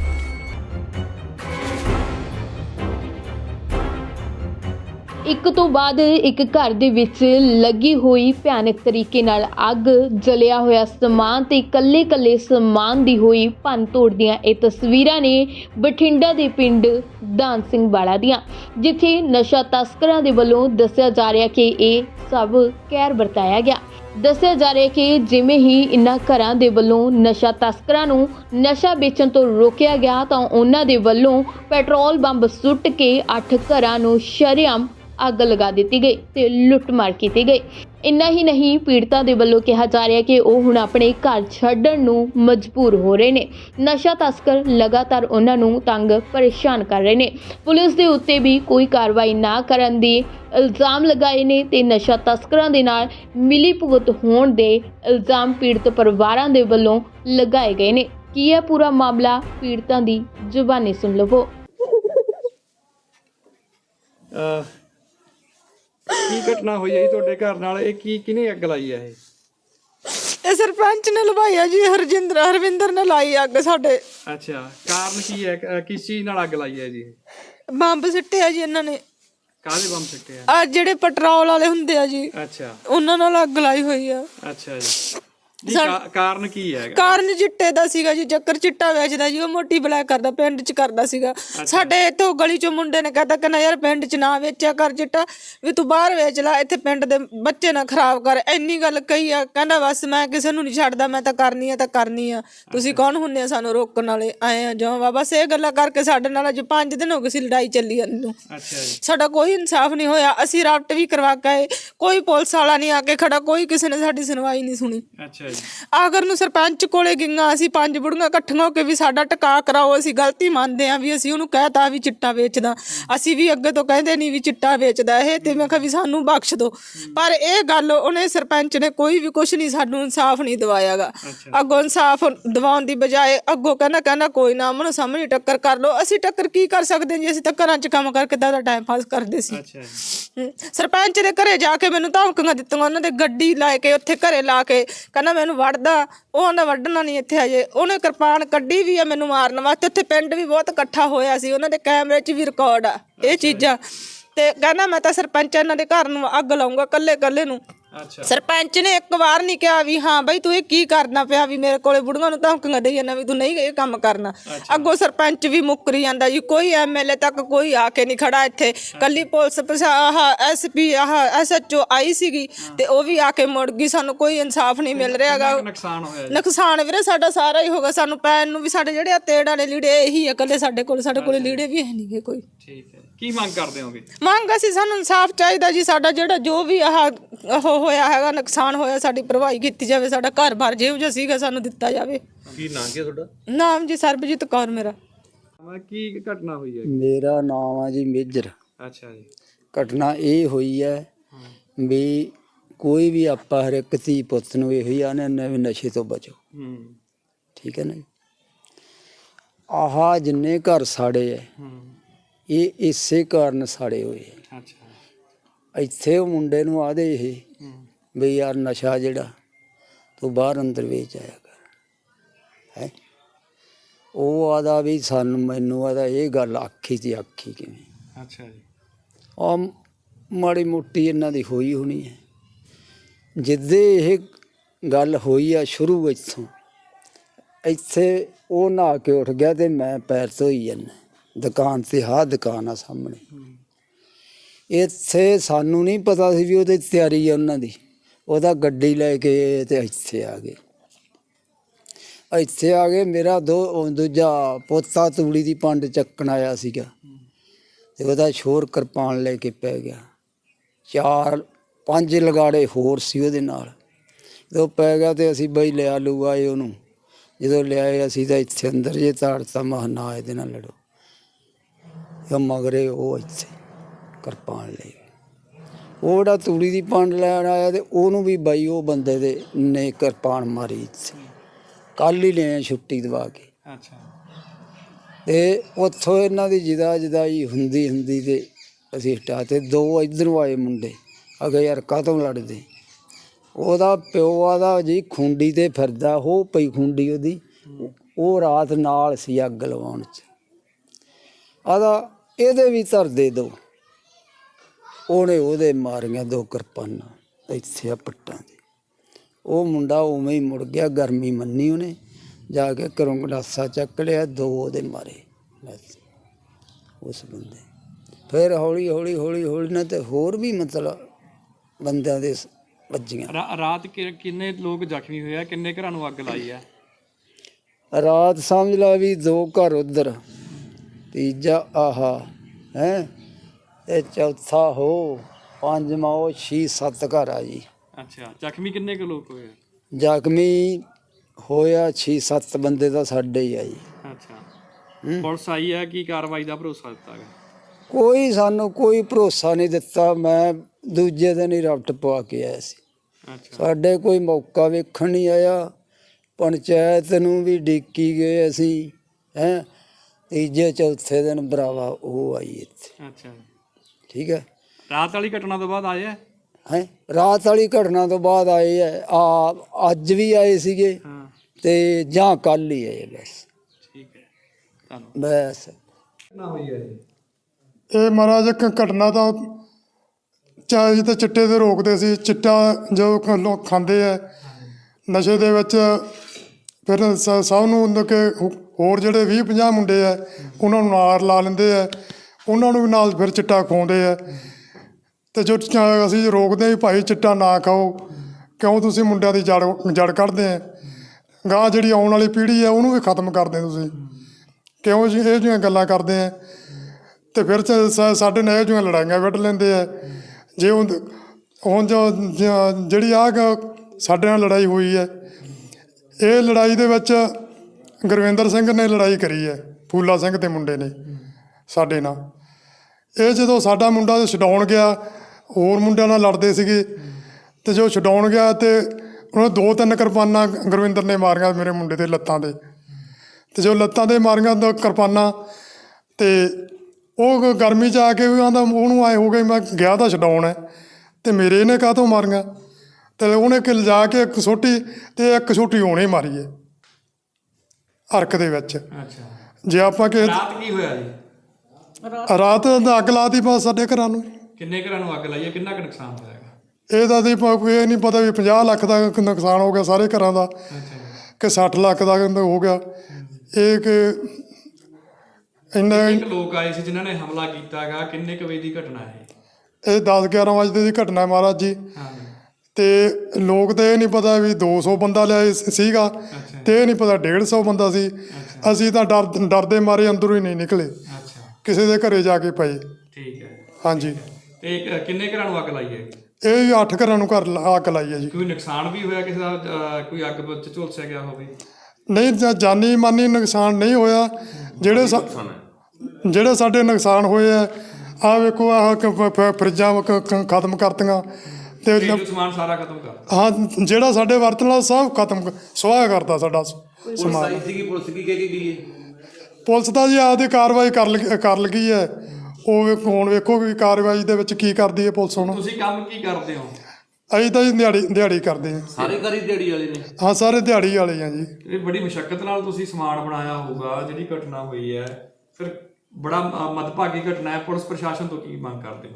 Speaker 8: ਇੱਕ ਤੋਂ ਬਾਅਦ ਇੱਕ ਘਰ ਦੇ ਵਿੱਚ ਲੱਗੀ ਹੋਈ ਭਿਆਨਕ ਤਰੀਕੇ ਨਾਲ ਅੱਗ, ਜਲਿਆ ਹੋਇਆ ਸਮਾਨ ਤੇ ਕੱਲੇ ਕੱਲੇ ਸਮਾਨ ਦੀ ਹੋਈ ਭੰਨ ਤੋੜ ਦੀਆਂ ਇਹ ਤਸਵੀਰਾਂ ਨੇ ਬਠਿੰਡਾ ਦੇ ਪਿੰਡ ਦਾਨ ਸਿੰਘ ਵਾਲਾ ਦੀਆਂ, ਜਿੱਥੇ ਨਸ਼ਾ ਤਸਕਰਾਂ ਦੇ ਵੱਲੋਂ ਦੱਸਿਆ ਜਾ ਰਿਹਾ ਕਿ ਇਹ ਸਭ ਕਹਿਰ ਵਰਤਾਇਆ ਗਿਆ। ਦੱਸਿਆ ਜਾ ਰਿਹਾ ਕਿ ਜਿਵੇਂ ਹੀ ਇਨ੍ਹਾਂ ਘਰਾਂ ਦੇ ਵੱਲੋਂ ਨਸ਼ਾ ਤਸਕਰਾਂ ਨੂੰ ਨਸ਼ਾ ਵੇਚਣ ਤੋਂ ਰੋਕਿਆ ਗਿਆ ਤਾਂ ਉਹਨਾਂ ਦੇ ਵੱਲੋਂ ਪੈਟਰੋਲ ਬੰਬ ਸੁੱਟ ਕੇ ਅੱਠ ਘਰਾਂ ਨੂੰ ਸ਼ਰੇਆਮ ਅੱਗ ਲਗਾ ਦਿੱਤੀ ਗਈ ਤੇ ਲੁੱਟਮਾਰ ਕੀਤੀ ਗਈ। ਇੰਨਾ ਹੀ ਨਹੀਂ, ਪੀੜਤਾਂ ਦੇ ਵੱਲੋਂ ਕਿਹਾ ਜਾ ਰਿਹਾ ਕਿ ਉਹ ਹੁਣ ਆਪਣੇ ਘਰ ਛੱਡਣ ਨੂੰ ਮਜਬੂਰ ਹੋ ਰਹੇ ਨੇ। ਨਸ਼ਾ ਤਸਕਰ ਲਗਾਤਾਰ ਉਹਨਾਂ ਨੂੰ ਤੰਗ ਪਰੇਸ਼ਾਨ ਕਰ ਰਹੇ ਨੇ। ਪੁਲਿਸ ਦੇ ਉੱਤੇ ਵੀ ਕੋਈ ਕਾਰਵਾਈ ਨਾ ਕਰਨ ਦੇ ਇਲਜ਼ਾਮ ਲਗਾਏ ਨੇ ਤੇ ਨਸ਼ਾ ਤਸਕਰਾਂ ਦੇ ਨਾਲ ਮਿਲੀ ਭੁਗਤ ਹੋਣ ਦੇ ਇਲਜ਼ਾਮ ਪੀੜਤ ਪਰਿਵਾਰਾਂ ਦੇ ਵੱਲੋਂ ਲਗਾਏ ਗਏ ਨੇ। ਕੀ ਹੈ ਪੂਰਾ ਮਾਮਲਾ, ਪੀੜਤਾਂ ਦੀ ਜ਼ੁਬਾਨੀ ਸੁਣ ਲਵੋ।
Speaker 1: ਕੀ ਘਟਨਾ ਹੋਈ ਹੈ ਤੁਹਾਡੇ ਘਰ ਨਾਲ, ਇਹ ਕੀ ਕਿਹਨੇ ਅੱਗ ਲਾਈ ਹੈ? ਇਹ
Speaker 2: ਇਹ ਸਰਪੰਚ ਨੇ ਲਵਾਈ ਆ ਜੀ, ਹਰਜਿੰਦਰ ਹਰਵਿੰਦਰ ਨੇ ਲਾਈ ਅੱਗ ਸਾਡੇ।
Speaker 1: ਅੱਛਾ, ਕਾਰਨ ਕੀ ਹੈ, ਕਿਸ ਚੀਜ਼ ਨਾਲ ਅੱਗ ਲਾਈ ਹੈ ਜੀ?
Speaker 2: ਬੰਬ ਸਿੱਟਿਆ ਜੀ ਇਹਨਾਂ ਨੇ।
Speaker 1: ਕਾਹਦੇ ਬੰਬ ਸਿੱਟੇ ਆ?
Speaker 2: ਆ ਜਿਹੜੇ ਪੈਟਰੋਲ ਵਾਲੇ ਹੁੰਦੇ ਆ ਜੀ,
Speaker 1: ਅੱਛਾ,
Speaker 2: ਉਹਨਾਂ ਨਾਲ ਅੱਗ ਲਾਈ ਹੋਈ ਆ।
Speaker 1: ਅੱਛਾ ਜੀ, ਕਾਰਨ ਕੀ ਹੈ?
Speaker 2: ਕਾਰਨ ਚਿੱਟੇ ਦਾ ਸੀਗਾ ਜੀ, ਚੱਕਰ ਚਿੱਟਾ ਵੇਚਦਾ ਜੀ, ਉਹ ਮੋਟੀ ਬਲੈਕ ਕਰਦਾ, ਪਿੰਡ ਚ ਕਰਦਾ ਸੀਗਾ। ਸਾਡੇ ਇੱਥੋਂ ਗਲੀ ਚੋਂ ਮੁੰਡੇ ਨੇ ਕਹਤਾ ਕਹਿੰਦਾ ਯਾਰ ਪਿੰਡ ਚ ਨਾ ਵੇਚਿਆ ਕਰ ਚਿੱਟਾ, ਵੀ ਤੂੰ ਬਾਹਰ ਵੇਚ ਲੈ, ਇੱਥੇ ਪਿੰਡ ਦੇ ਬੱਚੇ ਨਾ ਖਰਾਬ ਕਰ। ਇੰਨੀ ਗੱਲ ਕਹੀ ਆ। ਕਹਿੰਦਾ ਬਸ ਮੈਂ ਕਿਸੇ ਨੂੰ ਨਹੀਂ ਛੱਡਦਾ, ਮੈਂ ਤਾਂ ਕਰਨੀ ਆ ਤਾਂ ਕਰਨੀ ਆ, ਤੁਸੀਂ ਕੌਣ ਹੁੰਦੇ ਆ ਸਾਨੂੰ ਰੋਕਣ ਵਾਲੇ? ਆਏ ਆ ਜੋ ਬਸ ਇਹ ਗੱਲਾਂ ਕਰਕੇ ਸਾਡੇ ਨਾਲ ਅੱਜ ਪੰਜ ਦਿਨ ਹੋ ਗਏ ਸੀ ਲੜਾਈ ਚੱਲੀ ਜਾਂਦੀ ਨੂੰ। ਸਾਡਾ ਕੋਈ ਇਨਸਾਫ ਨਹੀਂ ਹੋਇਆ। ਅਸੀਂ ਰਾਬਟ ਵੀ ਕਰਵਾ ਕੇ, ਕੋਈ ਪੁਲਿਸ ਵਾਲਾ ਨਹੀਂ ਆ ਕੇ ਖੜਾ, ਕੋਈ ਕਿਸੇ ਨੇ ਸਾਡੀ ਸੁਣਵਾਈ ਨਹੀਂ ਸੁਣੀ। ਆਖਰ ਨੂੰ ਸਰਪੰਚ ਕੋਲੇ ਗਈਆਂ ਅਸੀਂ ਪੰਜ ਬੁੜੀਆਂ ਇਕੱਠੀਆਂ ਹੋ ਕੇ ਵੀ ਸਾਡਾ ਟਿਕਾ ਕਰਾਓ, ਅਸੀਂ ਗਲਤੀ ਮੰਨਦੇ ਆ ਵੀ ਅਸੀਂ ਉਹਨੂੰ ਕਹਿਤਾ ਵੀ ਚਿੱਟਾ ਵੇਚਦਾ। ਅਸੀਂ ਵੀ ਅੱਗੇ ਤੋਂ ਕਹਿੰਦੇ ਨਹੀਂ ਵੀ ਚਿੱਟਾ ਵੇਚਦਾ ਇਹ, ਤੇ ਮੈਂ ਕਿਹਾ ਵੀ ਸਾਨੂੰ ਬਖਸ਼ ਦਿਓ। ਪਰ ਇਹ ਗੱਲ ਉਹਨੇ ਸਰਪੰਚ ਨੇ ਕੋਈ ਵੀ ਕੁਛ ਨਹੀਂ, ਸਾਨੂੰ ਇਨਸਾਫ ਨਹੀਂ ਦਵਾਇਆਗਾ। ਅੱਗੋਂ ਇਨਸਾਫ ਦਿਵਾਉਣ ਦੀ ਬਜਾਏ ਅੱਗੋਂ ਕਹਿੰਦਾ ਕਹਿੰਦਾ ਕੋਈ ਨਾ ਅਮਨ ਸਾਹਮਣੇ ਟੱਕਰ ਕਰ ਲਓ। ਅਸੀਂ ਟੱਕਰ ਕੀ ਕਰ ਸਕਦੇ ਜੀ, ਅਸੀਂ ਤਾਂ ਘਰਾਂ 'ਚ ਕੰਮ ਕਰਕੇ ਤਾਂ ਟਾਈਮ ਪਾਸ ਕਰਦੇ ਸੀ। ਸਰਪੰਚ ਦੇ ਘਰੇ ਜਾ ਕੇ ਮੈਨੂੰ ਧਮਕੀਆਂ ਦਿੱਤੀਆਂ, ਉਹਨਾਂ ਦੇ ਗੱਡੀ ਲੈ ਕੇ ਉੱਥੇ ਘਰੇ ਲਾ ਕੇ ਕਹਿੰਦਾ ਮੈਨੂੰ ਵੜਦਾ, ਉਹ ਆਂਦਾ ਵੱਢਣਾ ਨਹੀਂ ਇੱਥੇ ਹਜੇ। ਉਹਨੇ ਕਿਰਪਾਨ ਕੱਢੀ ਵੀ ਆ ਮੈਨੂੰ ਮਾਰਨ ਵਾਸਤੇ। ਉੱਥੇ ਪਿੰਡ ਵੀ ਬਹੁਤ ਇਕੱਠਾ ਹੋਇਆ ਸੀ, ਉਹਨਾਂ ਦੇ ਕੈਮਰੇ 'ਚ ਵੀ ਰਿਕਾਰਡ ਆ ਇਹ ਚੀਜ਼ਾਂ। ਤੇ ਕਹਿੰਦਾ ਮੈਂ ਤਾਂ ਸਰਪੰਚ ਇਹਨਾਂ ਦੇ ਘਰ ਨੂੰ ਅੱਗ ਲਾਉਂਗਾ ਕੱਲੇ ਕੱਲੇ ਨੂੰ। ਸਰਪੰਚ ਨੇ ਇੱਕ ਵਾਰ ਨਹੀਂ ਕਿਹਾ ਵੀ ਹਾਂ ਬਈ ਤੂੰ ਇਹ ਕੀ ਕਰਨਾ ਪਿਆ, ਵੀ ਮੇਰੇ ਕੋਲੇ ਬੁੜੀਆਂ ਨੂੰ ਧਮਕੀਆਂ ਦੇਈ ਜਾਂਦਾ ਵੀ ਤੂੰ ਨਹੀਂ ਇਹ ਕੰਮ ਕਰਨਾ। ਅੱਗੋਂ ਸਰਪੰਚ ਵੀ ਮੁੱਕਰੀ ਜਾਂਦਾ ਜੀ, ਕੋਈ ਐਮ ਐਲ ਏ ਤੱਕ ਕੋਈ ਆ ਕੇ ਨਹੀਂ ਖੜਾ ਇੱਥੇ। ਕੱਲੀ ਪੁਲਿਸ ਆਹ ਐਸ ਪੀ ਆਹ ਐਸ ਐਚ ਓ ਆਈ ਸੀਗੀ ਤੇ ਉਹ ਵੀ ਆ ਕੇ ਮੁੜ ਗਈ। ਸਾਨੂੰ ਕੋਈ ਇਨਸਾਫ ਨਹੀਂ ਮਿਲ ਰਿਹਾ ਗਾ।
Speaker 1: ਨੁਕਸਾਨ ਹੋਇਆ?
Speaker 2: ਨੁਕਸਾਨ ਵੀਰੇ ਸਾਡਾ ਸਾਰਾ ਹੀ ਹੋਗਾ। ਸਾਨੂੰ ਪੈਣ ਨੂੰ ਵੀ ਸਾਡੇ ਜਿਹੜੇ ਆ ਤੇੜ ਵਾਲੇ ਲੀੜੇ ਇਹੀ ਆ ਇਕੱਲੇ ਸਾਡੇ ਕੋਲ, ਸਾਡੇ ਕੋਲ ਲੀੜੇ ਵੀ ਹੈ ਨਹੀਂ ਗੇ ਕੋਈ।
Speaker 1: ਠੀਕ ਹੈ, ਕੀ ਮੰਗ ਕਰਦੇ ਹੋਗੇ?
Speaker 2: ਮੰਗ ਅਸੀਂ ਸਾਨੂੰ ਇਨਸਾਫ ਚਾਹੀਦਾ ਜੀ। ਸਾਡਾ ਜਿਹੜਾ ਜੋ ਵੀ ਆਹ ਉਹ ਹੋਇਆ ਹੈਗਾ, ਨੁਕਸਾਨ ਹੋਇਆ, ਸਾਡੀ ਭਰਵਾਈ ਕੀਤੀ ਜਾਵੇ, ਸਾਡਾ ਘਰ ਬਾਰ ਜਿਹੋ ਜਿਹਾ ਸੀਗਾ ਸਾਨੂੰ ਦਿੱਤਾ ਜਾਵੇ।
Speaker 1: ਕੀ ਨਾਂ ਕੀ ਤੁਹਾਡਾ?
Speaker 2: ਨਾਮ ਜੀ ਸਰਬਜੀਤ ਕੌਰ ਮੇਰਾ।
Speaker 1: ਮੈਂ ਕੀ ਘਟਨਾ ਹੋਈ ਹੈ?
Speaker 5: ਮੇਰਾ ਨਾਮ ਆ ਜੀ ਮੇਜਰ।
Speaker 1: ਅੱਛਾ ਜੀ।
Speaker 5: ਘਟਨਾ ਇਹ ਹੋਈ ਹੈ ਵੀ ਕੋਈ ਵੀ ਆਪਾਂ ਹਰ ਇੱਕ ਧੀ ਪੁੱਤ ਨੂੰ ਇਹੋ ਹੀ ਆਨੇ ਵੀ ਨਸ਼ੇ ਤੋਂ ਬਚੋ।
Speaker 1: ਹੂੰ।
Speaker 5: ਠੀਕ ਹੈ ਨਾ ਜੀ। ਆਹ ਜਿੰਨੇ ਘਰ ਸਾੜੇ ਹੈ ਇਹ ਇਸੇ ਕਾਰਨ ਸਾੜੇ ਹੋਏ।
Speaker 1: ਅੱਛਾ।
Speaker 5: ਇੱਥੇ ਉਹ ਮੁੰਡੇ ਨੂੰ ਆਦੇ ਇਹ ਵੀ ਯਾਰ ਨਸ਼ਾ ਜਿਹੜਾ ਤੂੰ ਬਾਹਰ ਅੰਦਰ ਵੇਚ ਆਇਆ ਕਰ ਹੈ। ਉਹ ਆਦਾ ਵੀ ਸਾਨੂੰ ਮੈਨੂੰ ਆਦਾ ਇਹ ਗੱਲ ਆਖੀ ਤੇ ਆਖੀ ਕਿਵੇਂ।
Speaker 1: ਅੱਛਾ ਜੀ।
Speaker 5: ਆ ਮਾੜੀ ਮੋਟੀ ਇਹਨਾਂ ਦੀ ਹੋਈ ਹੋਣੀ ਹੈ। ਜਿੱਦੇ ਇਹ ਗੱਲ ਹੋਈ ਆ ਸ਼ੁਰੂ ਇੱਥੋਂ ਇੱਥੇ ਉਹ ਨਹਾ ਕੇ ਉੱਠ ਗਿਆ ਤੇ ਮੈਂ ਪੈਰ ਧੋਈ ਜਾਂਦਾ ਦੁਕਾਨ ਤੇ। ਹਾਂ ਦੁਕਾਨ ਆ ਸਾਹਮਣੇ। ਇੱਥੇ ਸਾਨੂੰ ਨਹੀਂ ਪਤਾ ਸੀ ਵੀ ਉਹਦੀ ਤਿਆਰੀ ਆ ਉਹਨਾਂ ਦੀ। ਉਹਦਾ ਗੱਡੀ ਲੈ ਕੇ ਤੇ ਇੱਥੇ ਆ ਗਏ। ਇੱਥੇ ਆ ਗਏ ਮੇਰਾ ਦੋ ਦੂਜਾ ਪੋਤਾ ਤੂੜੀ ਦੀ ਪੰਡ ਚੱਕਣ ਆਇਆ ਸੀਗਾ ਤੇ ਉਹਦਾ ਸ਼ੋਰ ਕਿਰਪਾਨ ਲੈ ਕੇ ਪੈ ਗਿਆ। ਚਾਰ ਪੰਜ ਲਗਾੜੇ ਹੋਰ ਸੀ ਉਹਦੇ ਨਾਲ। ਜਦੋਂ ਪੈ ਗਿਆ ਤੇ ਅਸੀਂ ਬਈ ਲਿਆ ਲੂ ਆਏ ਉਹਨੂੰ। ਜਦੋਂ ਲਿਆਏ ਅਸੀਂ ਤਾਂ ਇੱਥੇ ਅੰਦਰ ਜੇ ਤਾੜਤਾ ਮਾ ਨਾ ਇਹਦੇ ਨਾਲ ਲੜੋ। ਮਗਰੇ ਉਹ ਇੱਥੇ ਕਿਰਪਾਨ ਲੈ ਉਹ ਜਿਹੜਾ ਤੂੜੀ ਦੀ ਪੰਡ ਲੈਣ ਆਇਆ ਤੇ ਉਹਨੂੰ ਵੀ ਬਾਈ ਉਹ ਬੰਦੇ ਦੇ ਨੇ ਕਿਰਪਾਨ ਮਾਰੀ ਇੱਥੇ। ਕੱਲ੍ਹ ਹੀ ਲਿਆ ਛੁੱਟੀ ਦਵਾ ਕੇ।
Speaker 1: ਅੱਛਾ।
Speaker 5: ਤੇ ਉੱਥੋਂ ਇਹਨਾਂ ਦੀ ਜਿਦਾ ਜਿਦਾਈ ਹੁੰਦੀ ਹੁੰਦੀ ਤੇ ਅਸੀਂ ਹਟਾ ਤੇ ਦੋ ਇੱਧਰੋਂ ਆਏ ਮੁੰਡੇ ਅਗੇ ਯਾਰ ਕਾਹਤੋਂ ਲੜਦੇ। ਉਹਦਾ ਪਿਓ ਆਦਾ ਜੀ ਖੁੰਡੀ ਤੇ ਫਿਰਦਾ ਉਹ ਪਈ ਖੁੰਡੀ ਉਹਦੀ। ਉਹ ਰਾਤ ਨਾਲ ਸੀ ਅੱਗ ਲਵਾਉਣ 'ਚ। ਆਦਾ ਇਹਦੇ ਵੀ ਧਰ ਦੇ ਦੋ। ਉਹਨੇ ਉਹਦੇ ਮਾਰੀਆਂ ਦੋ ਕਿਰਪਾਨਾਂ ਇੱਥੇ ਆ ਪੱਟਾਂ 'ਤੇ। ਉਹ ਮੁੰਡਾ ਉਵੇਂ ਹੀ ਮੁੜ ਗਿਆ। ਗਰਮੀ ਮੰਨੀ ਉਹਨੇ ਜਾ ਕੇ ਘਰੋਂ ਗੰਡਾਸਾ ਚੱਕ ਲਿਆ। ਦੋ ਉਹਦੇ ਮਾਰੇ ਬਸ ਉਸ ਬੰਦੇ। ਫਿਰ ਹੌਲੀ ਹੌਲੀ ਹੌਲੀ ਹੌਲੀ ਨਾ ਤੇ ਹੋਰ ਵੀ ਮਤਲਬ ਬੰਦਿਆਂ ਦੇ ਵੱਜੀਆਂ।
Speaker 1: ਰਾਤ ਕਿ- ਕਿੰਨੇ ਲੋਕ ਜ਼ਖਮੀ ਹੋਏ ਆ? ਕਿੰਨੇ ਘਰਾਂ ਨੂੰ ਅੱਗ ਲਾਈ ਆ?
Speaker 5: ਰਾਤ ਸਮਝ ਲਾ ਵੀ ਦੋ ਘਰ ਉੱਧਰ, ਤੀਜਾ ਆਹਾ ਹੈ ਤੇ ਚੌਥਾ ਹੋ ਪੰਜਵਾਂ ਉਹ ਛੇ ਸੱਤ ਘਰ ਆ ਜੀ।
Speaker 1: ਅੱਛਾ। ਜ਼ਖਮੀ ਕਿੰਨੇ ਕੁ ਲੋਕ ਹੋਏ ਆ?
Speaker 5: ਜ਼ਖਮੀ ਹੋਇਆ ਛੇ ਸੱਤ ਬੰਦੇ ਤਾਂ ਸਾਡੇ ਹੀ ਆ ਜੀ।
Speaker 1: ਅੱਛਾ। ਪੁਲਿਸ ਆਈ ਆ? ਕੀ ਕਾਰਵਾਈ ਦਾ ਭਰੋਸਾ ਦਿੱਤਾ ਗਿਆ?
Speaker 5: ਕੋਈ ਸਾਨੂੰ ਕੋਈ ਭਰੋਸਾ ਨਹੀਂ ਦਿੱਤਾ। ਮੈਂ ਦੂਜੇ ਦਿਨ ਹੀ ਰਫਟ ਪਵਾ ਕੇ ਆਇਆ ਸੀ।
Speaker 1: ਅੱਛਾ।
Speaker 5: ਸਾਡੇ ਕੋਈ ਮੌਕਾ ਵੇਖਣ ਨਹੀਂ ਆਇਆ। ਪੰਚਾਇਤ ਨੂੰ ਵੀ ਡੀਕੀ ਗਏ ਅਸੀਂ ਹੈਂ। ਤੀਜੇ ਚੌਥੇ ਦਿਨ ਭਰਾਵਾ ਉਹ ਆਈ ਇੱਥੇ।
Speaker 1: ਅੱਛਾ।
Speaker 5: ਠੀਕ ਹੈ।
Speaker 1: ਰਾਤ ਵਾਲੀ ਘਟਨਾ ਤੋਂ ਬਾਅਦ ਆਏ ਆ?
Speaker 5: ਹੈਂ ਰਾਤ ਵਾਲੀ ਘਟਨਾ ਤੋਂ ਬਾਅਦ ਆਏ ਹੈ। ਆ ਅੱਜ ਵੀ ਆਏ ਸੀਗੇ
Speaker 1: ਹਾਂ।
Speaker 5: ਤੇ ਜਾਂ ਕੱਲ੍ਹ ਹੀ ਆਏ ਬਸ।
Speaker 1: ਠੀਕ ਹੈ। ਧੰਨਵਾਦ।
Speaker 5: ਬਸ
Speaker 1: ਘਟਨਾ ਹੋਈ ਹੈ ਜੀ।
Speaker 3: ਇਹ ਮਹਾਰਾਜ ਇੱਕ ਘਟਨਾ ਤਾਂ ਚਾਹੇ ਤਾਂ ਚਿੱਟੇ ਤੇ ਰੋਕਦੇ ਸੀ। ਚਿੱਟਾ ਜੋ ਖ- ਲੋਕ ਖਾਂਦੇ ਆ ਨਸ਼ੇ ਦੇ ਵਿੱਚ ਫਿਰ ਸ- ਸਭ ਨੂੰ ਮਤਲਬ ਕਿ ਹੋ- ਹੋਰ ਜਿਹੜੇ ਵੀਹ ਪੰਜਾਹ ਮੁੰਡੇ ਆ ਉਹਨਾਂ ਨੂੰ ਨਾਲ ਲਾ ਲੈਂਦੇ ਆ। ਉਹਨਾਂ ਨੂੰ ਵੀ ਨਾਲ ਫਿਰ ਚਿੱਟਾ ਖਵਾਉਂਦੇ ਆ। ਅਤੇ ਜੋ ਚ- ਅਸੀਂ ਰੋਕਦੇ ਹਾਂ ਵੀ ਭਾਈ ਚਿੱਟਾ ਨਾ ਖਾਓ ਕਿਉਂ ਤੁਸੀਂ ਮੁੰਡਿਆਂ ਦੀ ਜੜ ਜੜ ਕੱਢਦੇ ਆ। ਗਾਂ ਜਿਹੜੀ ਆਉਣ ਵਾਲੀ ਪੀੜ੍ਹੀ ਆ ਉਹਨੂੰ ਵੀ ਖਤਮ ਕਰਦੇ ਤੁਸੀਂ ਕਿਉਂ ਜੀ ਇਹ ਜਿਹੀਆਂ ਗੱਲਾਂ ਕਰਦੇ ਆ। ਅਤੇ ਫਿਰ ਚ- ਸਾ- ਸਾਡੇ ਨਾਲ ਇਹੋ ਜਿਹੀਆਂ ਲੜਾਈਆਂ ਵੱਢ ਲੈਂਦੇ ਆ। ਜੇ ਹੁਣ ਹੁਣ ਜੋ ਜ- ਜਿਹੜੀ ਆਹ ਗ- ਸਾਡੇ ਨਾਲ ਲੜਾਈ ਹੋਈ ਹੈ ਇਹ ਲੜਾਈ ਦੇ ਵਿੱਚ ਗੁਰਵਿੰਦਰ ਸਿੰਘ ਨੇ ਲੜਾਈ ਕਰੀ ਹੈ। ਫੂਲਾ ਸਿੰਘ ਦੇ ਮੁੰਡੇ ਨੇ ਸਾਡੇ ਨਾਲ। ਇਹ ਜਦੋਂ ਸਾਡਾ ਮੁੰਡਾ ਛਡਾਉਣ ਗਿਆ ਹੋਰ ਮੁੰਡਿਆਂ ਨਾਲ ਲੜਦੇ ਸੀਗੇ ਅਤੇ ਜੋ ਛਡਾਉਣ ਗਿਆ ਅਤੇ ਉਹਨੇ ਦੋ ਤਿੰਨ ਕਿਰਪਾਨਾਂ ਗੁਰਵਿੰਦਰ ਨੇ ਮਾਰੀਆਂ ਮੇਰੇ ਮੁੰਡੇ ਦੇ ਲੱਤਾਂ 'ਤੇ। ਅਤੇ ਜੋ ਲੱਤਾਂ 'ਤੇ ਮਾਰੀਆਂ ਦੋ ਕਿਰਪਾਨਾਂ ਅਤੇ ਉਹ ਗਰਮੀ 'ਚ ਆ ਕੇ ਵੀ ਆਂਦਾ ਉਹਨੂੰ ਆਏ ਹੋ ਗਏ ਮੈਂ ਗਿਆ ਤਾਂ ਛਡਾਉਣ ਹੈ ਅਤੇ ਮੇਰੇ ਇਹਨੇ ਕਾਹਤੋਂ ਮਾਰੀਆਂ। ਅਤੇ ਉਹਨੇ ਕਿ ਲਿਜਾ ਕੇ ਇੱਕ ਸੋਟੀ ਅਤੇ ਇੱਕ ਸੋਟੀ ਉਹਨੇ ਮਾਰੀ ਹੈ ਹਰਕ ਦੇ ਵਿੱਚ।
Speaker 1: ਅੱਛਾ।
Speaker 3: ਜੇ ਆਪਾਂ ਕਿ
Speaker 1: ਰਾਤ ਕੀ ਹੋਇਆ ਜੀ?
Speaker 3: ਰਾਤ ਦਾ ਅੱਗ ਲਾਤੀ ਬਸ ਸਾਡੇ ਘਰਾਂ ਨੂੰ।
Speaker 1: ਕਿੰਨੇ ਘਰਾਂ ਨੂੰ ਅੱਗ ਲਾਈ ਹੈ? ਕਿੰਨਾ ਕੁ ਨੁਕਸਾਨ ਹੋਇਆ ਹੈਗਾ?
Speaker 3: ਇਹ ਤਾਂ ਦੀ ਕੋਈ ਇਹ ਨਹੀਂ ਪਤਾ ਵੀ ਪੰਜਾਹ ਲੱਖ ਦਾ ਨੁਕਸਾਨ ਹੋ ਗਿਆ ਸਾਰੇ ਘਰਾਂ ਦਾ
Speaker 1: ਅੱਛਾ।
Speaker 3: ਕਿ ਸੱਠ ਲੱਖ ਦਾ ਹੋ ਗਿਆ। ਇਹ ਕਿ ਇੰਨਾ
Speaker 1: ਕਿੰਨੇ ਕੁ ਲੋਕ ਆਏ ਸੀ ਜਿਨ੍ਹਾਂ ਨੇ ਹਮਲਾ ਕੀਤਾ ਹੈਗਾ? ਕਿੰਨੇ ਕੁ ਵਜੇ ਦੀ ਘਟਨਾ ਹੈ?
Speaker 3: ਇਹ ਦਸ ਗਿਆਰਾਂ ਵਜੇ ਦੀ ਘਟਨਾ ਹੈ ਮਹਾਰਾਜ ਜੀ।
Speaker 1: ਹਾਂ।
Speaker 3: ਅਤੇ ਲੋਕ ਤਾਂ ਇਹ ਨਹੀਂ ਪਤਾ ਵੀ ਦੋ ਸੌ ਬੰਦਾ ਲਿਆ ਸੀਗਾ ਅਤੇ ਇਹ ਨਹੀਂ ਪਤਾ ਡੇਢ ਸੌ ਬੰਦਾ ਸੀ। ਅਸੀਂ ਤਾਂ ਡਰ ਡਰਦੇ ਮਾਰੇ ਅੰਦਰੋਂ ਹੀ ਨਹੀਂ ਨਿਕਲੇ।
Speaker 1: ਅੱਛਾ।
Speaker 3: ਕਿਸੇ ਦੇ ਘਰੇ ਜਾ ਕੇ ਪਏ।
Speaker 1: ਠੀਕ ਹੈ।
Speaker 3: ਹਾਂਜੀ।
Speaker 1: ਤੇ ਕ- ਕਿੰਨੇ ਘਰਾਂ ਨੂੰ ਅੱਗ ਲਾਈ ਹੈ?
Speaker 3: ਇਹ ਅੱਠ ਘਰਾਂ ਨੂੰ ਘਰ ਲ- ਅੱਗ ਲਾਈ ਹੈ ਜੀ।
Speaker 1: ਕੋਈ ਨੁਕਸਾਨ ਵੀ ਹੋਇਆ ਕਿਸੇ ਦਾ, ਅਹ, ਕੋਈ ਅੱਗ ਵਿੱਚ ਝੁਲਸਿਆ ਗਿਆ ਹੋਵੇ?
Speaker 3: ਨਹੀਂ ਜਾਂ ਜਾਨੀ ਮਾਨੀ ਨੁਕਸਾਨ ਨਹੀਂ ਹੋਇਆ। ਜਿਹੜੇ ਸਾ- ਜਿਹੜੇ ਸਾਡੇ ਨੁਕਸਾਨ ਹੋਏ ਆ, ਆਹ ਵੇਖੋ ਆਹ ਕ- ਫ- ਫ- ਫਰਿੱਜਾਂ ਕ- ਕ- ਖਤਮ ਕਰਤੀਆਂ ਤੇ
Speaker 1: ਘਰੇਲੂ ਸਮਾਨ ਸਾਰਾ ਖਤਮ ਕਰਤਾ।
Speaker 3: ਹਾਂ ਜਿਹੜਾ ਸਾਡੇ ਵਰਤਣ ਵਾਲਾ ਸਭ ਖਤਮ ਕ- ਸੁਆਹ ਕਰਤਾ ਸਾਡਾ ਸ- ਸਮਾਨ। ਪੁਲਿਸ ਤਾਂ ਜੀ ਆਪਦੀ ਕਾਰਵਾਈ ਕਰ ਲ- ਕਰ ਲਗੀ ਹੈ। ਉਹ ਵੇਖੋ ਹੁਣ ਵੇਖੋ ਵੀ ਕਾਰਵਾਈ ਦੇ ਵਿੱਚ ਕੀ ਕਰਦੀ ਹੈ ਪੁਲਿਸ ਹੁਣ।
Speaker 1: ਤੁਸੀਂ ਕੰਮ ਕੀ ਕਰਦੇ ਹੋ?
Speaker 3: ਅਸੀਂ ਤਾਂ ਜੀ ਦਿਹਾੜੀ ਦਿਹਾੜੀ ਕਰਦੇ ਹਾਂ।
Speaker 1: ਸਾਰੇ ਘਰੀ ਦਿਹਾੜੀ ਵਾਲੇ ਨੇ?
Speaker 3: ਹਾਂ ਸਾਰੇ ਦਿਹਾੜੀ ਵਾਲੇ ਆ ਜੀ।
Speaker 1: ਇਹ ਬੜੀ ਮੁਸ਼ਕਲ ਨਾਲ ਤੁਸੀਂ ਸਮਾਨ ਬਣਾਇਆ ਹੋਊਗਾ। ਜਿਹੜੀ ਘਟਨਾ ਹੋਈ ਹੈ ਫਿਰ ਬੜਾ ਅ, ਮੱਦਭਾਗੀ ਘਟਨਾ ਹੈ। ਪੁਲਿਸ ਪ੍ਰਸ਼ਾਸਨ ਤੋਂ ਕੀ ਮੰਗ ਕਰਦੇ ਹੋ?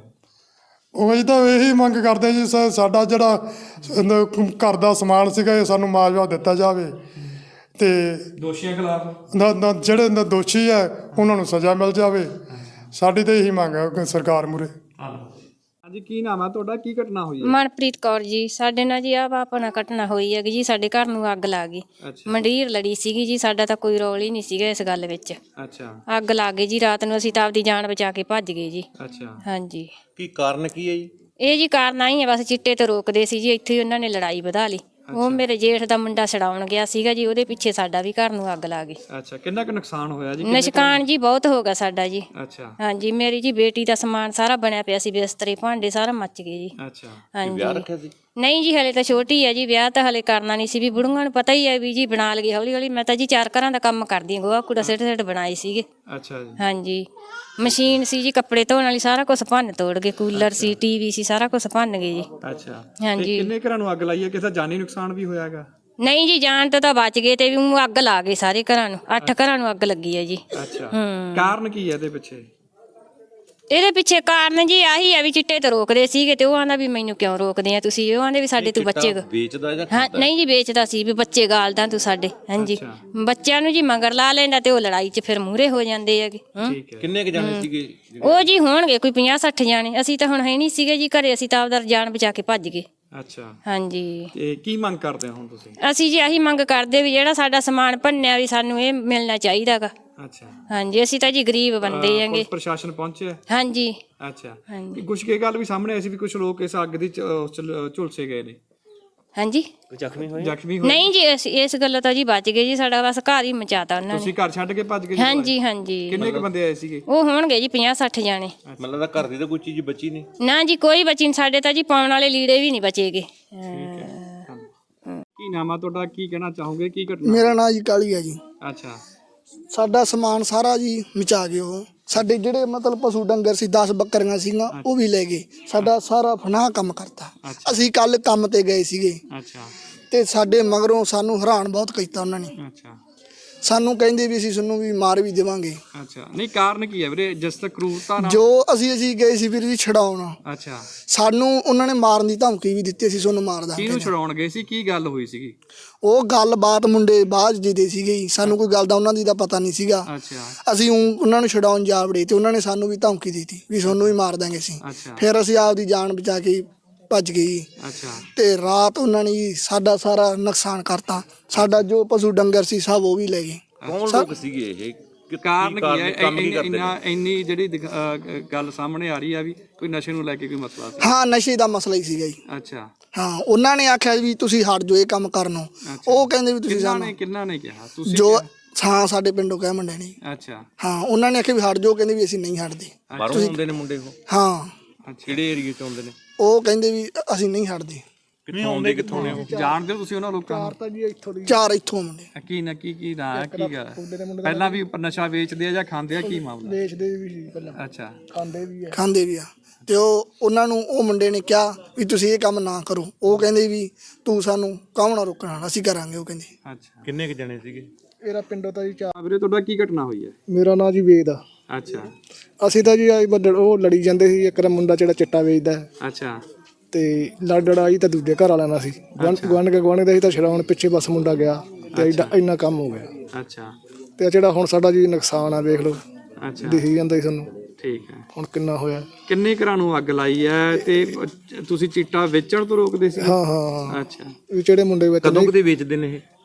Speaker 3: ਉਹ ਅਸੀਂ ਤਾਂ ਇਹੀ ਮੰਗ ਕਰਦੇ ਜੀ ਸਾ- ਸਾਡਾ ਜਿਹੜਾ ਨ- ਘਰ ਦਾ ਸਮਾਨ ਸੀਗਾ ਇਹ ਸਾਨੂੰ ਮੁਆਵਜ਼ਾ ਦਿੱਤਾ ਜਾਵੇ ਤੇ
Speaker 1: ਦੋਸ਼ੀਆਂ ਖਿਲਾਫ
Speaker 3: ਨ- ਨ- ਜਿਹੜੇ ਨ- ਦੋਸ਼ੀ ਹੈ ਉਹਨਾਂ ਨੂੰ ਸਜ਼ਾ ਮਿਲ ਜਾਵੇ। ਸਾਡੀ ਤਾਂ ਇਹੀ ਮੰਗ ਹੈ ਸਰਕਾਰ ਮੂਹਰੇ।
Speaker 1: ਹਾਂਜੀ, ਕੀ ਨਾਮ ਹੈ ਤੁਹਾਡਾ? ਕੀ ਘਟਨਾ ਹੋਈ ਹੈ?
Speaker 4: ਮਨਪ੍ਰੀਤ ਕੌਰ ਜੀ। ਸਾਡੇ ਨਾਲ ਜੀ ਆ ਆਪਣਾ ਘਟਨਾ ਹੋਈ ਹੈਗੀ ਜੀ। ਸਾਡੇ ਘਰ ਨੂੰ ਅੱਗ ਲੱਗ ਗਈ।
Speaker 1: ਅੱਛਾ
Speaker 4: ਮੰਡੀਰ ਲੜੀ ਸੀਗੀ ਜੀ। ਸਾਡਾ ਤਾਂ ਕੋਈ ਰੋਲ ਹੀ ਨਹੀਂ ਸੀਗਾ ਇਸ ਗੱਲ ਵਿੱਚ।
Speaker 1: ਅੱਛਾ
Speaker 4: ਅੱਗ ਲੱਗ ਗਈ ਜੀ ਰਾਤ ਨੂੰ। ਅਸੀਂ ਤਾਂ ਆਪਦੀ ਜਾਨ ਬਚਾ ਕੇ ਭੱਜ ਗਏ ਜੀ।
Speaker 1: ਅੱਛਾ
Speaker 4: ਹਾਂਜੀ।
Speaker 9: ਕੀ ਕਾਰਨ ਕੀ ਹੈ ਜੀ?
Speaker 4: ਇਹ ਜੀ ਕਾਰਨ ਆਈ ਹੈ ਬਸ ਚਿੱਟੇ ਤੋਂ ਰੋਕਦੇ ਸੀ ਜੀ। ਇੱਥੇ ਹੀ ਉਹਨਾਂ ਨੇ ਲੜਾਈ ਵਧਾ ਲਈ। ਉਹ ਮੇਰੇ ਜੇਠ ਦਾ ਮੁੰਡਾ ਛਡਾਉਣ ਗਿਆ ਸੀਗਾ ਜੀ। ਉਹਦੇ ਪਿੱਛੇ ਸਾਡਾ ਵੀ ਘਰ ਨੂੰ ਅੱਗ ਲੱਗ ਗਈ।
Speaker 1: ਅੱਛਾ ਕਿੰਨਾ ਕੁ ਨੁਕਸਾਨ ਹੋਇਆ ਜੀ? ਕਿੰਨੇ ਕੁ-
Speaker 4: ਨੁਕਸਾਨ ਜੀ ਬਹੁਤ ਹੋ ਗਿਆ ਸਾਡਾ ਜੀ।
Speaker 1: ਅੱਛਾ
Speaker 4: ਹਾਂਜੀ। ਮੇਰੀ ਜੀ ਬੇਟੀ ਦਾ ਸਮਾਨ ਸਾਰਾ ਬਣਿਆ ਪਿਆ ਸੀ। ਬਿਸਤਰੇ ਭਾਂਡੇ ਸਾਰਾ ਮੱਚ ਗਏ ਜੀ।
Speaker 1: ਅੱਛਾ
Speaker 4: ਹਾਂਜੀ।
Speaker 9: ਵਿਆਹ ਰੱਖਿਆ ਸੀ?
Speaker 4: ਨਹੀਂ ਜੀ ਹਲੇ ਤਾਂ ਛੋਟੀ ਹੈ ਜੀ। ਵਿਆਹ ਤਾਂ ਹਲੇ ਕਰਨਾ ਨਹੀਂ ਸੀ। ਵੀ ਬੁੜੂਆਂ ਨੂੰ ਪਤਾ ਹੀ ਹੈ ਵੀ ਜੀ ਬਣਾ ਲਈਏ ਹੌਲੀ ਹੌਲੀ। ਮੈਂ ਤਾਂ ਜੀ ਚਾਰ ਘਰਾਂ ਦਾ ਕੰਮ ਕਰਦੀ ਹਾਂ। ਗੋਹਾ ਕੂੜਾ ਸਿੱਟ ਸਿੱਟ ਬਣਾਏ ਸੀਗੇ।
Speaker 1: ਅੱਛਾ ਜੀ
Speaker 4: ਹਾਂਜੀ। ਮਸ਼ੀਨ ਸੀ ਜੀ ਕੱਪੜੇ ਧੋਣ ਵਾਲੀ। ਸਾਰਾ ਕੁਝ ਭੰਨ ਤੋੜ ਗਏ। ਕੂਲਰ ਸੀ, ਟੀਵੀ ਸੀ, ਸਾਰਾ ਕੁਝ ਭੰਨ ਗਏ ਜੀ।
Speaker 1: ਅੱਛਾ
Speaker 4: ਹਾਂਜੀ।
Speaker 1: ਤੇ ਕਿੰਨੇ ਘਰਾਂ ਨੂੰ ਅੱਗ ਲਾਈ ਹੈ? ਕਿਸੇ ਦਾ ਜਾਨੀ ਨੁਕਸਾਨ ਵੀ ਹੋਇਆ ਹੈਗਾ?
Speaker 4: ਨਹੀਂ ਜੀ ਜਾਣ ਤੋਂ ਤਾਂ ਬਚ ਗਏ ਤੇ ਵੀ ਊਂ ਅੱਗ ਲਾ ਗਏ ਸਾਰੇ ਘਰਾਂ ਨੂੰ। ਅੱਠ ਘਰਾਂ ਨੂੰ ਅੱਗ ਲੱਗੀ ਹੈ ਜੀ।
Speaker 1: ਅੱਛਾ
Speaker 4: ਹੂੰ।
Speaker 1: ਕਾਰਨ ਕੀ ਹੈ ਇਹਦੇ ਪਿੱਛੇ?
Speaker 4: ਇਹਦੇ ਪਿੱਛੇ ਕਾਰਨ ਜੀ ਆਹੀ ਹੈ ਵੀ ਚਿੱਟੇ ਤੋਂ ਰੋਕਦੇ ਸੀਗੇ ਤੇ ਉਹ ਆਂਦਾ ਵੀ ਮੈਨੂੰ ਕਿਉਂ ਰੋਕਦੇ ਆ ਤੁਸੀਂ। ਉਹ ਆਂਦੇ ਵੀ ਸਾਡੇ ਤੂੰ ਬੱਚੇ
Speaker 9: ਵੇਚਦਾ ਜਾਂ
Speaker 4: ਹਾਂ ਨਹੀਂ ਜੀ ਵੇਚਦਾ ਸੀ ਵੀ ਬੱਚੇ ਗਾਲਦਾ ਤੂੰ ਸਾਡੇ। ਹਾਂਜੀ। ਬੱਚਿਆਂ ਨੂੰ ਜੀ ਮਗਰ ਲਾ ਲੈਂਦਾ ਤੇ ਉਹ ਲੜਾਈ 'ਚ ਫਿਰ ਮੂਹਰੇ ਹੋ ਜਾਂਦੇ ਹੈਗੇ। ਹੂੰ।
Speaker 1: ਠੀਕ ਹੈ।
Speaker 9: ਕਿੰਨੇ ਕ ਜਾਣੇ ਸੀਗੇ?
Speaker 4: ਉਹ ਜੀ ਹੋਣਗੇ ਕੋਈ ਪੰਜਾਹ ਸੱਠ ਜਾਣੇ। ਅਸੀਂ ਤਾਂ ਹੁਣ ਹੈ ਨਹੀਂ ਸੀਗੇ ਜੀ ਘਰੇ। ਅਸੀਂ ਤਾਂ ਆਪਦਾ ਜਾਨ ਬਚਾ ਕੇ ਭੱਜ ਗਏ।
Speaker 1: ਅੱਛਾ
Speaker 4: ਹਾਂਜੀ।
Speaker 1: ਤੇ ਕੀ ਮੰਗ ਕਰਦੇ ਹੋ ਹੁਣ ਤੁਸੀਂ?
Speaker 4: ਅਸੀਂ ਜੀ ਆਹੀ ਮੰਗ ਕਰਦੇ ਵੀ ਜਿਹੜਾ ਸਾਡਾ ਸਮਾਨ ਭੰਨਿਆ ਵੀ ਸਾਨੂੰ ਇਹ ਮਿਲਣਾ ਚਾਹੀਦਾਗਾ।
Speaker 1: ਅੱਛਾ
Speaker 4: ਹਾਂਜੀ। ਅਸੀਂ ਤਾਂ ਜੀ ਗਰੀਬ ਬੰਦੇ ਹੈਗੇ।
Speaker 1: ਪੁਲਿਸ ਪ੍ਰਸ਼ਾਸਨ ਪਹੁੰਚਿਆ?
Speaker 4: ਹਾਂਜੀ।
Speaker 1: ਅੱਛਾ
Speaker 4: ਹਾਂਜੀ।
Speaker 1: ਕੁਝ ਕੀ ਗੱਲ ਵੀ ਸਾਹਮਣੇ ਆਈ ਸੀ ਵੀ ਕੁਝ ਲੋਕ ਇਸ ਅੱਗ ਦੀ ਚ- ਉਸ ਚ ਲ- ਝੁਲਸੇ ਗਏ ਨੇ,
Speaker 4: ਹਾਂਜੀ।
Speaker 9: ਜ਼ਖਮੀ ਹੋਏ?
Speaker 1: ਜ਼ਖਮੀ ਹੋਏ?
Speaker 4: ਨਹੀਂ ਜੀ ਇਸ ਇਸ ਗੱਲੋਂ ਤਾਂ ਜੀ ਬਚ ਗਏ ਜੀ। ਸਾਡਾ ਬਸ ਘਰ ਹੀ ਮਚਾਤਾ ਉਹਨਾਂ ਨੇ।
Speaker 1: ਤੁਸੀਂ ਘਰ ਛੱਡ ਕੇ ਭੱਜ ਗਏ ਜੀ?
Speaker 4: ਹਾਂਜੀ ਹਾਂਜੀ।
Speaker 1: ਕਿੰਨੇ ਕੁ ਬੰਦੇ ਆਏ ਸੀਗੇ?
Speaker 4: ਉਹ ਹੋਣਗੇ ਜੀ ਪੰਜਾਹ ਸੱਠ ਜਾਣੇ।
Speaker 9: ਮਤਲਬ ਦਾ ਘਰ ਦੀ ਤਾਂ ਕੋਈ ਚੀਜ਼ ਬਚੀ ਨਹੀਂ?
Speaker 4: ਨਾ ਜੀ ਕੋਈ ਬਚੀ ਨਹੀਂ। ਸਾਡੇ ਤਾਂ ਜੀ ਪਾਉਣ ਵਾਲੇ ਲੀੜੇ ਵੀ ਨਹੀਂ ਬਚੇਗੇ।
Speaker 1: ਕੀ ਨਾਮ ਆ ਤੁਹਾਡਾ? ਕੀ ਕਹਿਣਾ ਚਾਹੋਗੇ? ਕੀ ਘਟਨਾ?
Speaker 6: ਮੇਰਾ ਨਾਂ ਜੀ ਕਾਲੀ ਹੈ ਜੀ।
Speaker 1: ਅੱਛਾ
Speaker 6: ਸਾਡਾ ਸਮਾਨ ਸਾਰਾ ਜੀ ਮਚਾ ਗਏ ਉਹ। ਸਾਡੇ ਜਿਹੜੇ ਮਤਲਬ ਪਸ਼ੂ ਡੰਗਰ ਸੀ ਦਸ ਬੱਕਰੀਆਂ ਸੀਗੀਆਂ ਉਹ ਵੀ ਲੈ ਗਏ। ਸਾਡਾ ਸਾਰਾ ਫਨਾਹ ਕੰਮ ਕਰਤਾ। ਅਸੀਂ ਕੱਲ ਕੰਮ ਤੇ ਗਏ ਸੀਗੇ
Speaker 1: ਅੱਛਾ
Speaker 6: ਤੇ ਸਾਡੇ ਮਗਰੋਂ ਸਾਨੂੰ ਹੈਰਾਨ ਬਹੁਤ ਕੀਤਾ ਉਹਨਾਂ ਨੇ।
Speaker 1: ਅੱਛਾ
Speaker 6: ਸਾਨੂੰ ਕਹਿੰਦੇ ਵੀ ਅਸੀਂ ਤੁਹਾਨੂੰ ਵੀ ਮਾਰ ਵੀ ਦੇਵਾਂਗੇ।
Speaker 1: ਅੱਛਾ ਨਹੀਂ ਕਾਰਨ ਕੀ ਹੈ ਵੀਰੇ? ਜਿਸ ਤੱਕ ਕਰੂਰਤਾ ਨਾਲ?
Speaker 6: ਜੋ ਅਸੀਂ ਅਸੀਂ ਗਏ ਸੀ ਵੀਰ ਜੀ ਛਡਾਉਣ।
Speaker 1: ਅੱਛਾ
Speaker 6: ਸਾਨੂੰ ਉਹਨਾਂ ਨੇ ਮਾਰਨ ਦੀ ਧਮਕੀ ਵੀ ਦਿੱਤੀ। ਅਸੀਂ ਤੁਹਾਨੂੰ ਮਾਰ ਦਾਂਗੇ।
Speaker 1: ਕਿਹਨੂੰ ਛਡਾਉਣ ਗਏ ਸੀ? ਕੀ ਗੱਲ ਹੋਈ ਸੀਗੀ?
Speaker 6: ਉਹ ਗੱਲਬਾਤ ਮੁੰਡੇ ਬਾਅਦ ਜੀ ਦੇ ਸੀਗੇ ਜੀ। ਸਾਨੂੰ ਕੋਈ ਗੱਲ ਦਾ ਉਹਨਾਂ ਦੀ ਦਾ ਪਤਾ ਨਹੀਂ ਸੀਗਾ।
Speaker 1: ਅੱਛਾ
Speaker 6: ਅਸੀਂ ਊਂ ਉਹਨਾਂ ਨੂੰ ਛਡਾਉਣ ਜਾ ਵੜੇ ਤੇ ਉਹਨਾਂ ਨੇ ਸਾਨੂੰ ਵੀ ਧਮਕੀ ਦਿੱਤੀ ਵੀ ਤੁਹਾਨੂੰ ਵੀ ਮਾਰ ਦਾਂਗੇ ਅਸੀਂ।
Speaker 1: ਅੱਛਾ
Speaker 6: ਫਿਰ ਅਸੀਂ ਆਪਦੀ ਜਾਨ ਬਚਾ ਕੇ ਭੱਜ ਗਏ ਜੀ।
Speaker 1: ਅੱਛਾ
Speaker 6: ਤੇ ਰਾਤ ਉਹਨਾਂ ਨੇ ਜੀ ਸਾਡਾ ਸਾਰਾ ਨੁਕਸਾਨ ਕਰਤਾ। ਸਾਡਾ ਜੋ ਪਸ਼ੂ ਡੰਗਰ ਸੀ ਸਭ ਉਹ ਵੀ ਲੈ ਗਏ।
Speaker 9: ਕੌਣ ਲੋਕ ਸੀਗੇ ਇਹ? ਕਿ-
Speaker 1: ਕਾਰਨ ਕੀ ਹੈ?
Speaker 9: ਕੰਮ ਕੀ ਕਰਦੇ
Speaker 1: ਇੰਨਾ
Speaker 9: ਨੇ?
Speaker 1: ਇੰਨੀ ਜਿਹੜੀ ਦਿਖ- ਅਹ ਗੱਲ ਸਾਹਮਣੇ ਆ ਰਹੀ ਆ ਵੀ ਕੋਈ ਨਸ਼ੇ ਨੂੰ ਲੈ ਕੇ ਕੋਈ ਮਸਲਾ ਸੀ?
Speaker 6: ਹਾਂ ਨਸ਼ੇ ਦਾ ਮਸਲਾ ਹੀ ਸੀਗਾ ਜੀ।
Speaker 1: ਅੱਛਾ
Speaker 6: ਹਾਂ ਉਹਨਾਂ ਨੇ ਆਖਿਆ ਵੀ ਤੁਸੀਂ ਹਟ ਜਾਓ ਇਹ ਕੰਮ ਕਰਨੋਂ। ਉਹ ਕਹਿੰਦੇ ਵੀ ਤੁਸੀਂ
Speaker 1: ਕਿੰਨਾ
Speaker 6: ਸਾਨੂੰ
Speaker 1: ਨੇ ਕਿੰਨਾ ਨੇ ਕਿਹਾ? ਤੁਸੀਂ
Speaker 6: ਜੋ
Speaker 1: ਕਿਹਾ?
Speaker 6: ਹਾਂ ਸਾਡੇ ਪਿੰਡੋਂ ਕਹਿ ਮੁੰਡੇ ਨੇ।
Speaker 1: ਅੱਛਾ
Speaker 6: ਹਾਂ ਉਹਨਾਂ ਨੇ ਆਖਿਆ ਵੀ ਹਟ ਜਾਓ। ਕਹਿੰਦੇ ਵੀ ਅਸੀਂ ਨਹੀਂ ਹਟਦੇ।
Speaker 9: ਬਾਹਰੋਂ ਆਉਂਦੇ ਨੇ ਮੁੰਡੇ ਉਹ?
Speaker 6: ਹਾਂ
Speaker 1: ਅੱਛਾ
Speaker 9: ਕਿਹੜੇ ਏਰੀਏ ਚ ਆਉਂਦੇ ਨੇ?
Speaker 6: ਉਹ ਕਹਿੰਦੇ ਵੀ ਅਸੀਂ ਨਹੀਂ ਹਟਦੇ।
Speaker 9: ਕਿੱਥੋਂ ਆਉਂਦੇ ਕਿੱਥੋਂ ਨੇ ਉਹ?
Speaker 1: ਜਾਣਦੇ ਹੋ ਤੁਸੀਂ ਉਹਨਾਂ ਲੋਕਾਂ ਨੂੰ?
Speaker 6: ਤਾਂ ਜੀ ਇੱਥੋਂ ਦੀ ਚਾਰ ਇੱਥੋਂ ਮੁੰਡੇ
Speaker 1: ਕੀ ਨਾ ਕੀ ਕੀ ਨਾ ਹੈ, ਕੀ ਗੱਲ ਪਹਿਲਾਂ ਵੀ ਨਸ਼ਾ ਵੇਚਦੇ ਆ ਜਾਂ ਖਾਂਦੇ ਆ? ਕੀ ਮਾਮਲਾ?
Speaker 6: ਵੇਚਦੇ ਵੀ ਸੀ ਪਹਿਲਾਂ
Speaker 1: ਅੱਛਾ
Speaker 6: ਖਾਂਦੇ ਵੀ ਆ ਖਾਂਦੇ ਵੀ ਆ। ਤੇ ਉਹ ਉਹਨਾਂ ਨੂੰ ਉਹ ਮੁੰਡੇ ਨੇ ਕਿਹਾ ਵੀ ਤੁਸੀਂ ਇਹ ਕੰਮ ਨਾ ਕਰੋ। ਉਹ ਕਹਿੰਦੇ ਵੀ ਤੂੰ ਸਾਨੂੰ ਕਾਹਨੂੰ ਨਾ ਰੋਕਣਾ ਅਸੀਂ ਕਰਾਂਗੇ। ਉਹ ਕਹਿੰਦੇ
Speaker 1: ਅੱਛਾ
Speaker 9: ਕਿੰਨੇ ਕ ਜਣੇ ਸੀਗੇ?
Speaker 6: ਮੇਰਾ ਪਿੰਡੋਂ ਤਾਂ ਜੀ ਚਾਰ।
Speaker 1: ਵੀਰੇ ਤੁਹਾਡਾ ਕੀ ਘਟਨਾ ਹੋਈ ਹੈ?
Speaker 6: ਮੇਰਾ ਨਾਂ ਜੀ ਵੇਦ ਆ।
Speaker 1: ਅੱਛਾ
Speaker 6: ਅਸੀਂ ਤਾਂ ਜੀ ਆਈ ਬੱਦਲ ਉਹ ਲੜੀ ਜਾਂਦੇ ਸੀ। ਇੱਕ ਦਾ ਮੁੰਡਾ ਜਿਹੜਾ ਚਿੱਟਾ ਵੇਚਦਾ ਹੈ
Speaker 1: ਅੱਛਾ
Speaker 6: ਤੇ ਲੜ ਲੜਾਈ ਤਾਂ ਦੂਜੇ ਘਰ ਵਾਲਿਆਂ ਨਾਲ ਸੀ। ਗੁਆਂਢ ਗੁਆਂਢ ਕੇ ਗੁਆਂਢ ਦਾ ਸੀ ਤਾਂ ਛਡਾਉਣ ਪਿੱਛੇ ਬਸ ਮੁੰਡਾ ਗਿਆ ਤੇ ਐਡਾ ਇੰਨਾ ਕੰਮ ਹੋ ਗਿਆ।
Speaker 1: ਅੱਛਾ
Speaker 6: ਤੇ ਜਿਹੜਾ ਹੁਣ ਸਾਡਾ ਜੀ ਨੁਕਸਾਨ ਆ ਵੇਖ ਲਓ।
Speaker 1: ਅੱਛਾ
Speaker 6: ਦਿਖੀ ਜਾਂਦਾ ਜੀ ਸਾਨੂੰ
Speaker 1: ਠੀਕ ਹੈ।
Speaker 6: ਹੁਣ ਕਿੰਨਾ ਹੋਇਆ।
Speaker 1: ਕਿੰਨੇ ਘਰਾਂ ਨੂੰ ਅੱਗ ਲਾਈ ਹੈ ਤੇ ਤੁਸੀਂ ਚਿੱਟਾ ਵੇਚਣ ਤੋਂ ਰੋਕਦੇ ਸੀ?
Speaker 6: ਹਾਂ ਹਾਂ
Speaker 1: ਅੱਛਾ
Speaker 6: ਵੀ ਜਿਹੜੇ ਮੁੰਡੇ ਵਿੱਚ
Speaker 9: ਕਦੋਂ ਕਦੇ ਵੇਚਦੇ ਨੇ ਇਹ?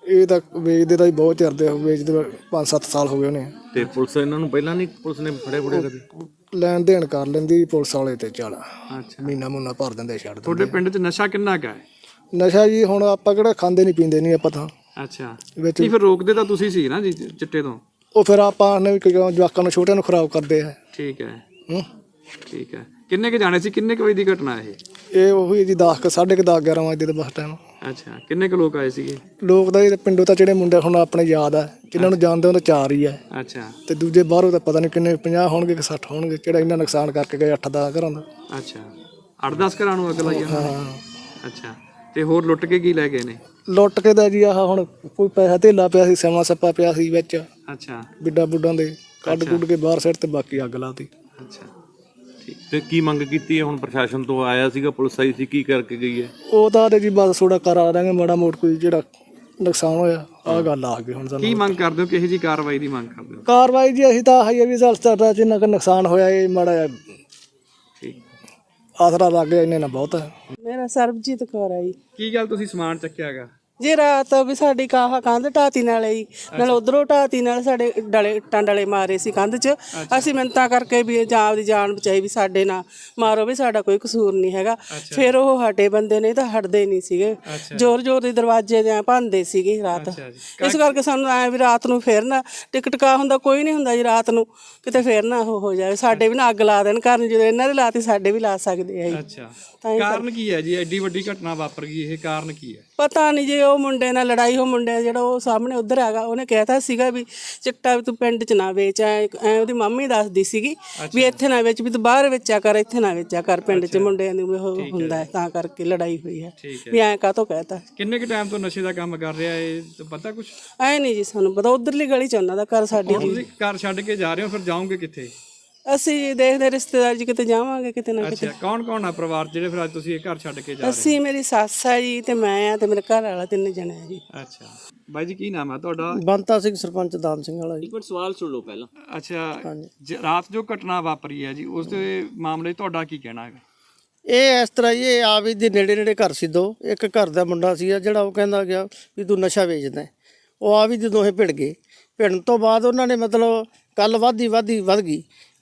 Speaker 6: ਇਹ ਤਾਂ ਵੇਚਦੇ ਤਾਂ ਜੀ ਬਹੁਤ ਚਿਰਦੇ ਹੋ ਵੇਚਦੇ ਪੰਜ ਸੱਤ ਸਾਲ ਹੋ ਗਏ ਉਹਨੇ
Speaker 9: ਤੇ ਪੁਲਿਸ ਇਹਨਾਂ ਨੂੰ ਪਹਿਲਾਂ ਨਹੀਂ ਪੁਲਿਸ ਨੇ ਫੜੇ ਫੜੇ ਕਦੇ?
Speaker 6: ਲੈਣ ਦੇਣ ਕਰ ਲੈਂਦੀ ਪੁਲਿਸ ਵਾਲੇ ਤੇ ਚੱਲ
Speaker 1: ਅੱਛਾ,
Speaker 6: ਮਹੀਨਾ ਮੂਨਾ ਭਰ ਦਿੰਦੇ ਛੱਡ
Speaker 1: ਤੁਹਾਡੇ ਪਿੰਡ 'ਚ ਨਸ਼ਾ ਕਿੰਨਾ ਕੁ ਹੈ?
Speaker 6: ਦਿੰਦੇ ਨਸ਼ਾ ਜੀ ਹੁਣ ਆਪਾਂ ਕਿਹੜਾ ਖਾਂਦੇ ਨਹੀਂ ਪੀਂਦੇ ਨਹੀਂ ਆਪਾਂ ਤਾਂ
Speaker 1: ਅੱਛਾ,
Speaker 6: ਵਿੱਚ
Speaker 1: ਨਹੀਂ ਫਿਰ ਰੋਕਦੇ ਤਾਂ ਤੁਸੀਂ ਸੀ ਨਾ ਜੀ ਚਿੱਟੇ ਤੋਂ?
Speaker 6: ਉਹ ਫਿਰ ਆਪਾਂ ਨੇ ਵੀ ਕਿਉਂ ਜਵਾਕਾਂ ਨੂੰ ਛੋਟਿਆਂ ਨੂੰ ਖਰਾਬ ਕਰਦੇ ਆ
Speaker 1: ਠੀਕ ਹੈ,
Speaker 6: ਹੂੰ
Speaker 1: ਠੀਕ ਹੈ। ਕਿੰਨੇ ਕੁ ਜਾਣੇ ਸੀ, ਕਿੰਨੇ ਕੁ ਵਜੇ ਦੀ ਘਟਨਾ ਇਹ?
Speaker 6: ਇਹ ਉਹੀ ਜੀ ਦਸ ਕੁ ਸਾਢੇ ਕੁ ਦਸ ਗਿਆਰਾਂ ਵਜੇ ਦੇ ਬਸ ਟਾਈਮ
Speaker 1: ਅੱਛਾ, ਕਿੰਨੇ ਕੁ ਲੋਕ ਆਏ ਸੀਗੇ?
Speaker 6: ਲੋਕ ਤਾਂ ਇਹ ਪਿੰਡੋਂ ਤਾਂ ਜਿਹੜੇ ਮੁੰਡੇ ਹੁਣ ਆਪਣੇ ਯਾਦ ਆ ਜਿਨ੍ਹਾਂ ਨੂੰ ਜਾਣਦੇ ਉਹ ਤਾਂ ਚਾਰ ਹੀ ਆ
Speaker 1: ਅੱਛਾ,
Speaker 6: ਤੇ ਦੂਜੇ ਬਾਹਰੋਂ ਤਾਂ ਪਤਾ ਨਹੀਂ ਕਿੰਨੇ ਪੰਜਾਹ ਹੋਣਗੇ ਕਿ ਸੱਠ ਹੋਣਗੇ ਕਿਹੜਾ ਇੰਨਾ ਨੁਕਸਾਨ ਕਰਕੇ ਗਏ ਅੱਠ ਦਸ ਘਰਾਂ ਦਾ।
Speaker 1: ਅੱਛਾ, ਅੱਠ ਦਸ ਘਰਾਂ ਨੂੰ ਅੱਗ ਲਾਈ ਉਹਨਾਂ ਨੇ? ਅੱਛਾ, ਤੇ ਹੋਰ ਲੁੱਟ ਕੇ ਕੀ ਲੈ ਗਏ ਨੇ?
Speaker 6: ਲੁੱਟ ਕੇ ਦਾ ਜੀ ਆਹ ਹੁਣ ਕੋਈ ਪੈਸਾ ਧੇਲਾ ਪਿਆ ਸੀ ਸਮਾਂ ਸੱਪਾ ਪਿਆ ਸੀ ਵਿੱਚ
Speaker 1: ਅੱਛਾ,
Speaker 6: ਬਿੱਡਾ ਬੁੱਡਾਂ ਦੇ ਕੱਢ ਕੁੱਢ ਕੇ ਬਾਹਰ ਸੈੱਟ ਤੇ ਬਾਕੀ ਅੱਗ ਲਾਤੀ।
Speaker 1: ਅੱਛਾ,
Speaker 9: ਤੇ ਕੀ ਮੰਗ ਕੀਤੀ ਹੈ ਹੁਣ ਪ੍ਰਸ਼ਾਸਨ ਤੋਂ? ਆਇਆ ਸੀਗਾ, ਪੁਲਿਸ ਆਈ ਸੀ, ਕੀ ਕਰਕੇ ਗਈ ਹੈ?
Speaker 6: ਉਹ ਤਾਂ ਤੇ ਜੀ ਬਸ ਥੋੜਾ ਕਰਾ ਦਾਂਗੇ ਮਾੜਾ ਮੋਟ ਕੋਈ ਜਿਹੜਾ ਨੁਕਸਾਨ ਹੋਇਆ ਆਹ ਗੱਲ ਆ ਗਈ ਹੁਣ
Speaker 1: ਕੀ
Speaker 6: ਸਾਨੂੰ।
Speaker 1: ਮੰਗ ਕਰਦੇ ਹੋ, ਕਿਹੋ ਜੀ ਕਾਰਵਾਈ ਦੀ ਮੰਗ ਕਰਦੇ ਹੋ?
Speaker 6: ਕਾਰਵਾਈ ਜੀ ਅਸੀਂ ਤਾਂ ਆਹੀ ਆ ਵੀ ਸਾਡਾ ਜਿੰਨਾ ਕੁ ਨੁਕਸਾਨ ਹੋਇਆ ਇਹ ਮਾੜਾ ਜਿਹਾ
Speaker 1: ਠੀਕ,
Speaker 6: ਆਸਰਾ ਲੱਗ ਗਿਆ ਇੰਨੇ ਨਾਲ ਬਹੁਤ ਹੈ।
Speaker 2: ਮੇਰਾ ਸਰਬਜੀਤ ਕੌਰ ਹੈ ਜੀ।
Speaker 1: ਕੀ ਗੱਲ ਤੁਸੀਂ ਸਮਾਨ ਚੱਕਿਆ ਹੈਗਾ?
Speaker 2: ਜੀ ਰਾਤ ਵੀ ਸਾਡੀ ਕਾਹ ਕੰਧ ਢਾਤੀ ਨਾਲੇ ਜੀ ਨਾਲ ਉਧਰੋਂ ਢਾਤੀ ਨਾਲ ਸਾਡੇ ਡਲੇ ਇੱਟਾਂ ਡਲੇ ਮਾਰੇ ਸੀ ਕੰਧ 'ਚ। ਅਸੀਂ ਮਿੰਨਤਾਂ ਕਰਕੇ ਵੀ ਜਾਂ ਆਪਦੀ ਜਾਨ ਬਚਾਈ ਵੀ ਸਾਡੇ ਨਾਲ ਮਾਰੋ ਵੀ ਸਾਡਾ ਕੋਈ ਕਸੂਰ ਨਹੀਂ ਹੈਗਾ। ਫਿਰ ਉਹ ਹਟੇ ਬੰਦੇ ਨੇ ਤਾਂ ਹਟਦੇ ਨਹੀਂ ਸੀਗੇ, ਜ਼ੋਰ ਜ਼ੋਰ ਦੇ ਦਰਵਾਜ਼ੇ ਦੇ ਭੰਨਦੇ ਸੀਗੇ ਰਾਤ। ਇਸ ਕਰਕੇ ਸਾਨੂੰ ਐ ਵੀ ਰਾਤ ਨੂੰ ਫਿਰ ਨਾ ਟਿਕਟਕਾ ਹੁੰਦਾ ਕੋਈ ਨਹੀਂ ਹੁੰਦਾ ਜੀ ਰਾਤ ਨੂੰ ਕਿਤੇ ਫਿਰ ਨਾ ਉਹ ਹੋ ਜਾਵੇ ਸਾਡੇ ਵੀ ਨਾ ਅੱਗ ਲਾ ਦੇਣ ਘਰ ਨੂੰ। ਜਦੋਂ ਇਹਨਾਂ ਦੇ ਲਾਤੀ ਸਾਡੇ ਵੀ ਲਾ ਸਕਦੇ ਆ ਜੀ।
Speaker 1: ਅੱਛਾ, ਕਾਰਨ ਕੀ ਹੈ ਜੀ ਐਡੀ ਵੱਡੀ ਘਟਨਾ ਵਾਪਰ ਗਈ? ਇਹ ਕਾਰਨ ਕੀ ਹੈ?
Speaker 2: ਪਤਾ ਨਹੀਂ ਜੀ ਉਹ ਮੁੰਡੇ ਨਾਲ ਲੜਾਈ ਹੋ ਮੁੰਡੇ ਜਿਹੜਾ ਉਹ ਸਾਹਮਣੇ ਉਧਰ ਹੈਗਾ ਉਹਨੇ ਕਹਿਤਾ ਸੀਗਾ ਵੀ ਚਿੱਟਾ ਵੀ ਤੂੰ ਪਿੰਡ 'ਚ ਨਾ ਵੇਚ। ਐ ਐ ਉਹਦੀ ਮੰਮੀ ਦੱਸਦੀ ਸੀਗੀ ਵੀ ਇੱਥੇ ਨਾ ਵੇਚ, ਵੀ ਤੂੰ ਬਾਹਰ ਵੇਚਿਆ ਕਰ, ਇੱਥੇ ਨਾ ਵੇਚਿਆ ਕਰ, ਪਿੰਡ 'ਚ ਮੁੰਡਿਆਂ ਦੀ ਉਹ ਹੁੰਦਾ ਤਾਂ ਕਰਕੇ ਲੜਾਈ ਹੋਈ ਹੈ ਵੀ ਐਂ ਕਾਹਤੋਂ ਕਹਿਤਾ।
Speaker 1: ਕਿੰਨੇ ਕੁ ਟਾਈਮ ਤੋਂ ਨਸ਼ੇ ਦਾ ਕੰਮ ਕਰ ਰਿਹਾ ਇਹ ਪਤਾ ਕੁਛ?
Speaker 2: ਐ ਨਹੀਂ ਜੀ ਸਾਨੂੰ ਪਤਾ, ਉਧਰਲੀ ਗਲੀ 'ਚ ਉਹਨਾਂ ਦਾ ਘਰ ਸਾਡੀ।
Speaker 1: ਤੁਸੀਂ ਘਰ ਛੱਡ ਕੇ ਜਾ ਰਹੇ ਹੋ, ਫਿਰ ਜਾਓਗੇ ਕਿੱਥੇ?
Speaker 2: ਅਸੀਂ ਦੇਖਦੇ ਰਿਸ਼ਤੇਦਾਰ ਜੀ ਕਿਤੇ ਜਾਵਾਂਗੇ ਕਿਤੇ ਨਾ ਕਿਤੇ।
Speaker 1: ਅੱਛਾ, ਕੌਣ ਕੌਣ ਆ ਪਰਿਵਾਰ ਜਿਹੜੇ ਫਿਰ ਅੱਜ ਤੁਸੀਂ ਇਹ ਘਰ ਛੱਡ ਕੇ ਜਾ ਰਹੇ
Speaker 2: ਅਸੀਂ ਮੇਰੀ ਸੱਸ ਆ ਜੀ ਤੇ ਮੈਂ ਆ ਤੇ ਮੇਰੇ ਘਰ ਵਾਲਾ, ਤਿੰਨ ਜਣੇ ਆ ਜੀ।
Speaker 1: ਅੱਛਾ, ਬਾਈ ਜੀ ਕੀ ਨਾਮ ਹੈ ਤੁਹਾਡਾ?
Speaker 6: ਬੰਤਾ ਸਿੰਘ ਸਰਪੰਚ ਦਾਮ ਸਿੰਘ ਵਾਲਾ ਜੀ।
Speaker 10: ਸਵਾਲ ਸੁਣ ਲਓ ਪਹਿਲਾਂ।
Speaker 1: ਅੱਛਾ, ਜ- ਰਾਤ ਜੋ ਘਟਨਾ ਵਾਪਰੀ ਹੈ ਜੀ ਉਸ ਦੇ ਮਾਮਲੇ 'ਚ ਤੁਹਾਡਾ ਕੀ ਕਹਿਣਾ ਹੈ?
Speaker 5: ਇਹ ਇਸ ਤਰ੍ਹਾਂ ਹੀ ਇਹ ਆਵੀ ਦੇ ਨੇੜੇ ਨੇੜੇ ਘਰ ਸੀ ਦੋ। ਇੱਕ ਘਰ ਦਾ ਮੁੰਡਾ ਸੀ ਜਿਹੜਾ ਉਹ ਕਹਿੰਦਾ ਗਿਆ ਵੀ ਤੂੰ ਨਸ਼ਾ ਵੇਚਦਾ। ਉਹ ਆਵੀ ਦੇ ਦੋਹੇ ਭਿੜ ਗਏ। ਭਿੜਨ ਤੋਂ ਬਾਅਦ ਉਹਨਾਂ ਨੇ ਮਤਲਬ ਕੱਲ ਵੱਧਦੀ ਵੱਧਦੀ ਵੱਧ ਗਈ।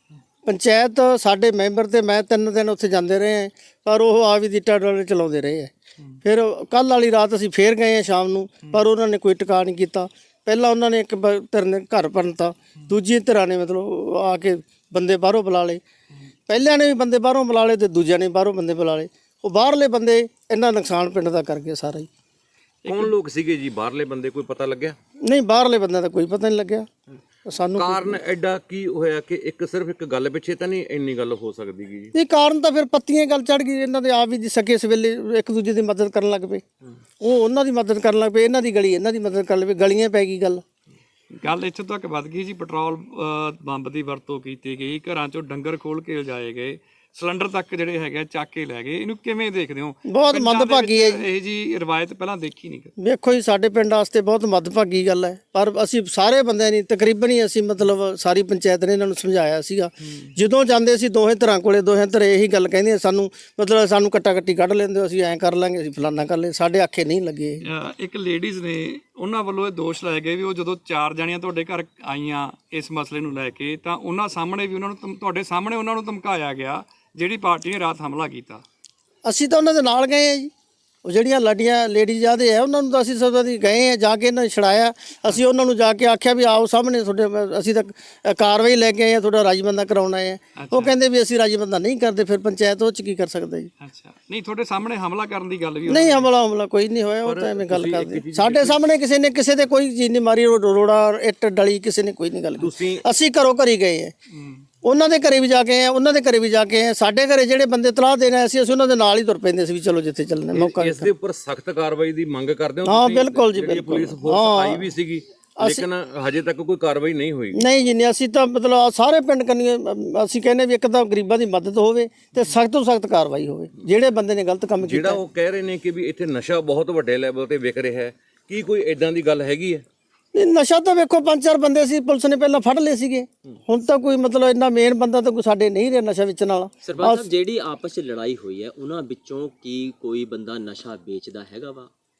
Speaker 5: ਪੰਚਾਇਤ ਸਾਡੇ ਮੈਂਬਰ ਤੇ ਮੈਂ ਤਿੰਨ ਦਿਨ ਉੱਥੇ ਜਾਂਦੇ ਰਹੇ ਹਾਂ, ਪਰ ਉਹ ਆਵੀ ਦੀ ਟਾਡਲ ਚਲਾਉਂਦੇ ਰਹੇ ਹੈ। ਫਿਰ ਕੱਲ ਵਾਲੀ ਰਾਤ ਅਸੀਂ ਫੇਰ ਗਏ ਹਾਂ ਸ਼ਾਮ ਨੂੰ, ਪਰ ਉਹਨਾਂ ਨੇ ਕੋਈ ਟਿਕਾ ਨਹੀਂ ਕੀਤਾ। ਪਹਿਲਾਂ ਉਹਨਾਂ ਨੇ ਇੱਕ ਬ- ਧਿਰ ਨੇ ਘਰ ਭੰਨਤਾ, ਦੂਜੀ ਧਿਰਾਂ ਨੇ ਮਤਲਬ ਆ ਕੇ ਬੰਦੇ ਬਾਹਰੋਂ ਬੁਲਾ ਲਏ। ਪਹਿਲਿਆਂ ਨੇ ਵੀ ਬੰਦੇ ਬਾਹਰੋਂ ਬੁਲਾ ਲਏ ਤੇ ਦੂਜਿਆਂ ਨੇ ਬਾਹਰੋਂ ਬੰਦੇ ਬੁਲਾ ਲਏ। ਉਹ ਬਾਹਰਲੇ ਬੰਦੇ ਇੰਨਾ ਨੁਕਸਾਨ ਪਿੰਡ ਦਾ ਕਰ ਗਏ ਸਾਰਾ ਹੀ।
Speaker 9: ਕੌਣ ਲੋਕ ਸੀਗੇ ਜੀ ਬਾਹਰਲੇ ਬੰਦੇ, ਕੋਈ ਪਤਾ ਲੱਗਿਆ?
Speaker 5: ਨਹੀਂ, ਬਾਹਰਲੇ ਬੰਦਿਆਂ ਦਾ ਕੋਈ ਪਤਾ ਨਹੀਂ ਲੱਗਿਆ ਸਾਨੂੰ।
Speaker 9: ਕਾਰਨ ਐਡਾ ਕੀ ਹੋਇਆ ਕਿ ਇੱਕ ਸਿਰਫ ਇੱਕ ਗੱਲ ਪਿੱਛੇ ਤਾਂ ਨਹੀਂ ਇੰਨੀ ਗੱਲ ਹੋ ਸਕਦੀ ਜੀ?
Speaker 5: ਇਹ ਕਾਰਨ ਤਾਂ ਫਿਰ ਪੱਤੀਆਂ ਗੱਲ ਚੜ ਗਈ। ਇਹਨਾਂ ਦੇ ਆਪ ਵੀ ਸਕੇ ਇਸ ਵੇਲੇ ਇੱਕ ਦੂਜੇ ਦੀ ਮਦਦ ਕਰਨ ਲੱਗ ਪਏ। ਉਹ ਉਹਨਾਂ ਦੀ ਮਦਦ ਕਰਨ ਲੱਗ ਪਏ, ਇਹਨਾਂ ਦੀ ਗਲੀ ਇਹਨਾਂ ਦੀ ਮਦਦ ਕਰਨ ਲੱਗ ਪਏ, ਗਲੀਆਂ ਪੈ ਗਈ ਗੱਲ।
Speaker 1: ਗੱਲ ਇੱਥੇ ਤੱਕ ਵੱਧ ਗਈ ਜੀ, ਪੈਟਰੋਲ ਅ, ਬੰਬ ਦੀ ਵਰਤੋਂ ਕੀਤੀ ਗਈ, ਘਰਾਂ 'ਚੋਂ ਡੰਗਰ ਖੋਲ ਕੇ ਲਿਜਾਏ ਗਏ, ਸਿਲੰਡਰ ਤੱਕ ਜਿਹੜੇ ਹੈਗੇ ਚੱਕ ਕੇ ਲੈ ਗਏ। ਇਹਨੂੰ ਕਿਵੇਂ ਦੇਖਦੇ ਹੋ?
Speaker 5: ਬਹੁਤ ਮੰਦਭਾਗੀ ਹੈ ਜੀ
Speaker 1: ਇਹ ਜੀ ਰਵਾਇਤ ਪਹਿਲਾਂ ਦੇਖੀ ਨਹੀਂ।
Speaker 5: ਵੇਖੋ ਜੀ, ਸਾਡੇ ਪਿੰਡ ਵਾਸਤੇ ਬਹੁਤ ਮੰਦਭਾਗੀ ਗੱਲ ਹੈ, ਪਰ ਅਸੀਂ ਸਾਰੇ ਬੰਦਿਆਂ ਨੇ ਤਕਰੀਬਨ ਹੀ ਅਸੀਂ ਮਤਲਬ ਸਾਰੀ ਪੰਚਾਇਤ ਨੇ ਇਹਨਾਂ ਨੂੰ ਸਮਝਾਇਆ ਸੀਗਾ। ਜਦੋਂ ਜਾਂਦੇ ਸੀ ਦੋਹੇ ਧਿਰਾਂ ਕੋਲੇ, ਦੋਹੇ ਧਿਰ ਇਹੀ ਗੱਲ ਕਹਿੰਦੇ ਸਾਨੂੰ ਮਤਲਬ ਸਾਨੂੰ ਕੱਟਾ ਕੱਟੀ ਕੱਢ ਲੈਂਦੇ ਹੋ, ਅਸੀਂ ਐਂ ਕਰ ਲਾਂਗੇ, ਅਸੀਂ ਫਲਾਨਾ ਕਰ ਲੈ, ਸਾਡੇ ਆਖੇ ਨਹੀਂ ਲੱਗੇ।
Speaker 1: ਅ, ਇੱਕ ਲੇਡੀਜ਼ ਨੇ ਉਹਨਾਂ ਵੱਲੋਂ ਇਹ ਦੋਸ਼ ਲਾਏ ਗਏ ਵੀ ਉਹ ਜਦੋਂ ਚਾਰ ਜਣੀਆਂ ਤੁਹਾਡੇ ਘਰ ਆਈਆਂ ਇਸ ਮਸਲੇ ਨੂੰ ਲੈ ਕੇ, ਤਾਂ ਉਹਨਾਂ ਸਾਹਮਣੇ ਵੀ ਉਹਨਾਂ ਨੂੰ ਧਮ- ਤੁਹਾਡੇ ਸਾਹਮਣੇ ਉਹਨਾਂ ਨੂੰ ਧਮਕਾਇਆ ਗਿਆ ਜਿਹੜੀ ਪਾਰਟੀ ਨੇ ਰਾਤ ਹਮਲਾ ਕੀਤਾ।
Speaker 5: ਅਸੀਂ ਤਾਂ ਉਹਨਾਂ ਦੇ ਨਾਲ ਗਏ ਆ ਜੀ। ਉਹ ਜਿਹੜੀਆਂ ਲਾਡੀਆਂ ਲੇਡੀਜ਼ ਆਦੇ ਆ ਉਹਨਾਂ ਨੂੰ ਤਾਂ ਅਸੀਂ ਸਭ ਦੀ ਗਏ ਆ, ਜਾ ਕੇ ਇਹਨਾਂ ਨੇ ਛੜਾਇਆ। ਅਸੀਂ ਉਹਨਾਂ ਨੂੰ ਜਾ ਕੇ ਆਖਿਆ ਵੀ ਆਓ ਸਾਹਮਣੇ ਤੁਹਾਡੇ, ਅਸੀਂ ਤਾਂ ਕਾਰਵਾਈ ਲੈ ਕੇ ਆਏ ਆ, ਤੁਹਾਡਾ ਰਾਜਬੰਦਾ ਕਰਾਉਣਾ ਹੈ। ਉਹ ਕਹਿੰਦੇ ਵੀ ਅਸੀਂ ਰਾਜਬੰਦਾ ਨਹੀਂ ਕਰਦੇ। ਫਿਰ ਪੰਚਾਇਤ ਉਹ 'ਚ ਕੀ ਕਰ ਸਕਦਾ ਜੀ?
Speaker 1: ਅੱਛਾ, ਨਹੀਂ ਤੁਹਾਡੇ ਸਾਹਮਣੇ ਹਮਲਾ ਕਰਨ ਦੀ ਗੱਲ ਵੀ
Speaker 5: ਨਹੀਂ, ਹਮਲਾ ਹਮਲਾ ਕੋਈ ਨਹੀਂ ਹੋਇਆ। ਉਹ ਤਾਂ ਐਵੇਂ ਗੱਲ ਕਰਦੇ ਸਾਡੇ ਸਾਹਮਣੇ ਕਿਸੇ ਨੇ ਕਿਸੇ ਦੇ ਕੋਈ ਚੀਜ਼ ਨਹੀਂ ਮਾਰੀ, ਰੋੜਾ ਇੱਟ ਡਲੀ ਕਿਸੇ ਨੇ ਕੋਈ ਨਹੀਂ ਗੱਲ ਕੀਤੀ। ਅਸੀਂ ਘਰੋਂ ਘਰੀ ਗਏ ਆ, ਉਹਨਾਂ ਦੇ ਘਰੇ ਵੀ ਜਾ ਕੇ ਆਏ, ਉਹਨਾਂ ਦੇ ਘਰੇ ਵੀ ਜਾ ਕੇ ਆਏ। ਸਾਡੇ ਘਰੇ ਜਿਹੜੇ ਬੰਦੇ ਤਲਾਹ ਦੇਣ ਆਏ ਸੀ ਅਸੀਂ ਉਹਨਾਂ ਦੇ ਨਾਲ ਹੀ ਤੁਰ ਪੈਂਦੇ ਸੀ ਵੀ ਚਲੋ ਜਿੱਥੇ ਚੱਲਣਾ ਮੌਕਾ।
Speaker 9: ਇਸ ਦੇ ਉੱਪਰ ਸਖਤ ਕਾਰਵਾਈ ਦੀ ਮੰਗ ਕਰਦੇ ਹੋ?
Speaker 5: ਹਾਂ ਬਿਲਕੁਲ ਜੀ, ਬਿਲਕੁਲ।
Speaker 9: ਪੁਲਿਸ ਫੋਰਸ ਆਈ ਵੀ ਸੀਗੀ ਲੇਕਿਨ ਹਜੇ ਤੱਕ ਕੋਈ ਕਾਰਵਾਈ ਨਹੀਂ ਹੋਈ।
Speaker 5: ਨਹੀਂ ਜੀ, ਨਹੀਂ, ਅਸੀਂ ਤਾਂ ਮਤਲਬ ਸਾਰੇ ਪਿੰਡ ਕੰਨੀ ਅਸੀਂ ਕਹਿੰਦੇ ਵੀ ਇੱਕ ਤਾਂ ਗਰੀਬਾਂ ਦੀ ਮਦਦ ਹੋਵੇ ਤੇ ਸਖਤ ਤੋਂ ਸਖਤ ਕਾਰਵਾਈ ਹੋਵੇ ਜਿਹੜੇ ਬੰਦੇ ਨੇ ਗਲਤ ਕੰਮ ਕੀਤਾ।
Speaker 9: ਜਿਹੜਾ ਉਹ ਕਹਿ ਰਹੇ ਨੇ ਕਿ ਵੀ ਇੱਥੇ ਨਸ਼ਾ ਬਹੁਤ ਵੱਡੇ ਲੈਵਲ ਤੇ ਵਿਕ ਰਿਹਾ ਹੈ, ਕੀ ਕੋਈ ਇਦਾਂ ਦੀ ਗੱਲ ਹੈਗੀ ਹੈ?
Speaker 5: ਨਹੀਂ, ਨਸ਼ਾ ਤਾਂ ਵੇਖੋ ਪੰਜ ਚਾਰ ਬੰਦੇ ਸੀ ਪੁਲਿਸ ਨੇ ਪਹਿਲਾਂ ਫੜ ਲਏ ਸੀਗੇ। ਹੁਣ ਤਾਂ ਕੋਈ ਮਤਲਬ ਇੰਨਾ ਮੇਨ ਬੰਦਾ ਤਾਂ ਕੋਈ ਸਾਡੇ ਨਹੀਂ ਰਿਹਾ ਨਸ਼ਾ ਵੇਚਣ ਵਾਲਾ।
Speaker 10: ਸਰਪੰਚ ਸਾਹਿਬ, ਜਿਹੜੀ ਆਪਸ 'ਚ ਲੜਾਈ ਹੋਈ ਹੈ ਉਹਨਾਂ ਵਿੱਚੋਂ ਕੀ ਕੋਈ ਬੰਦਾ ਨਸ਼ਾ ਵੇਚਦਾ ਹੈਗਾ ਵਾ?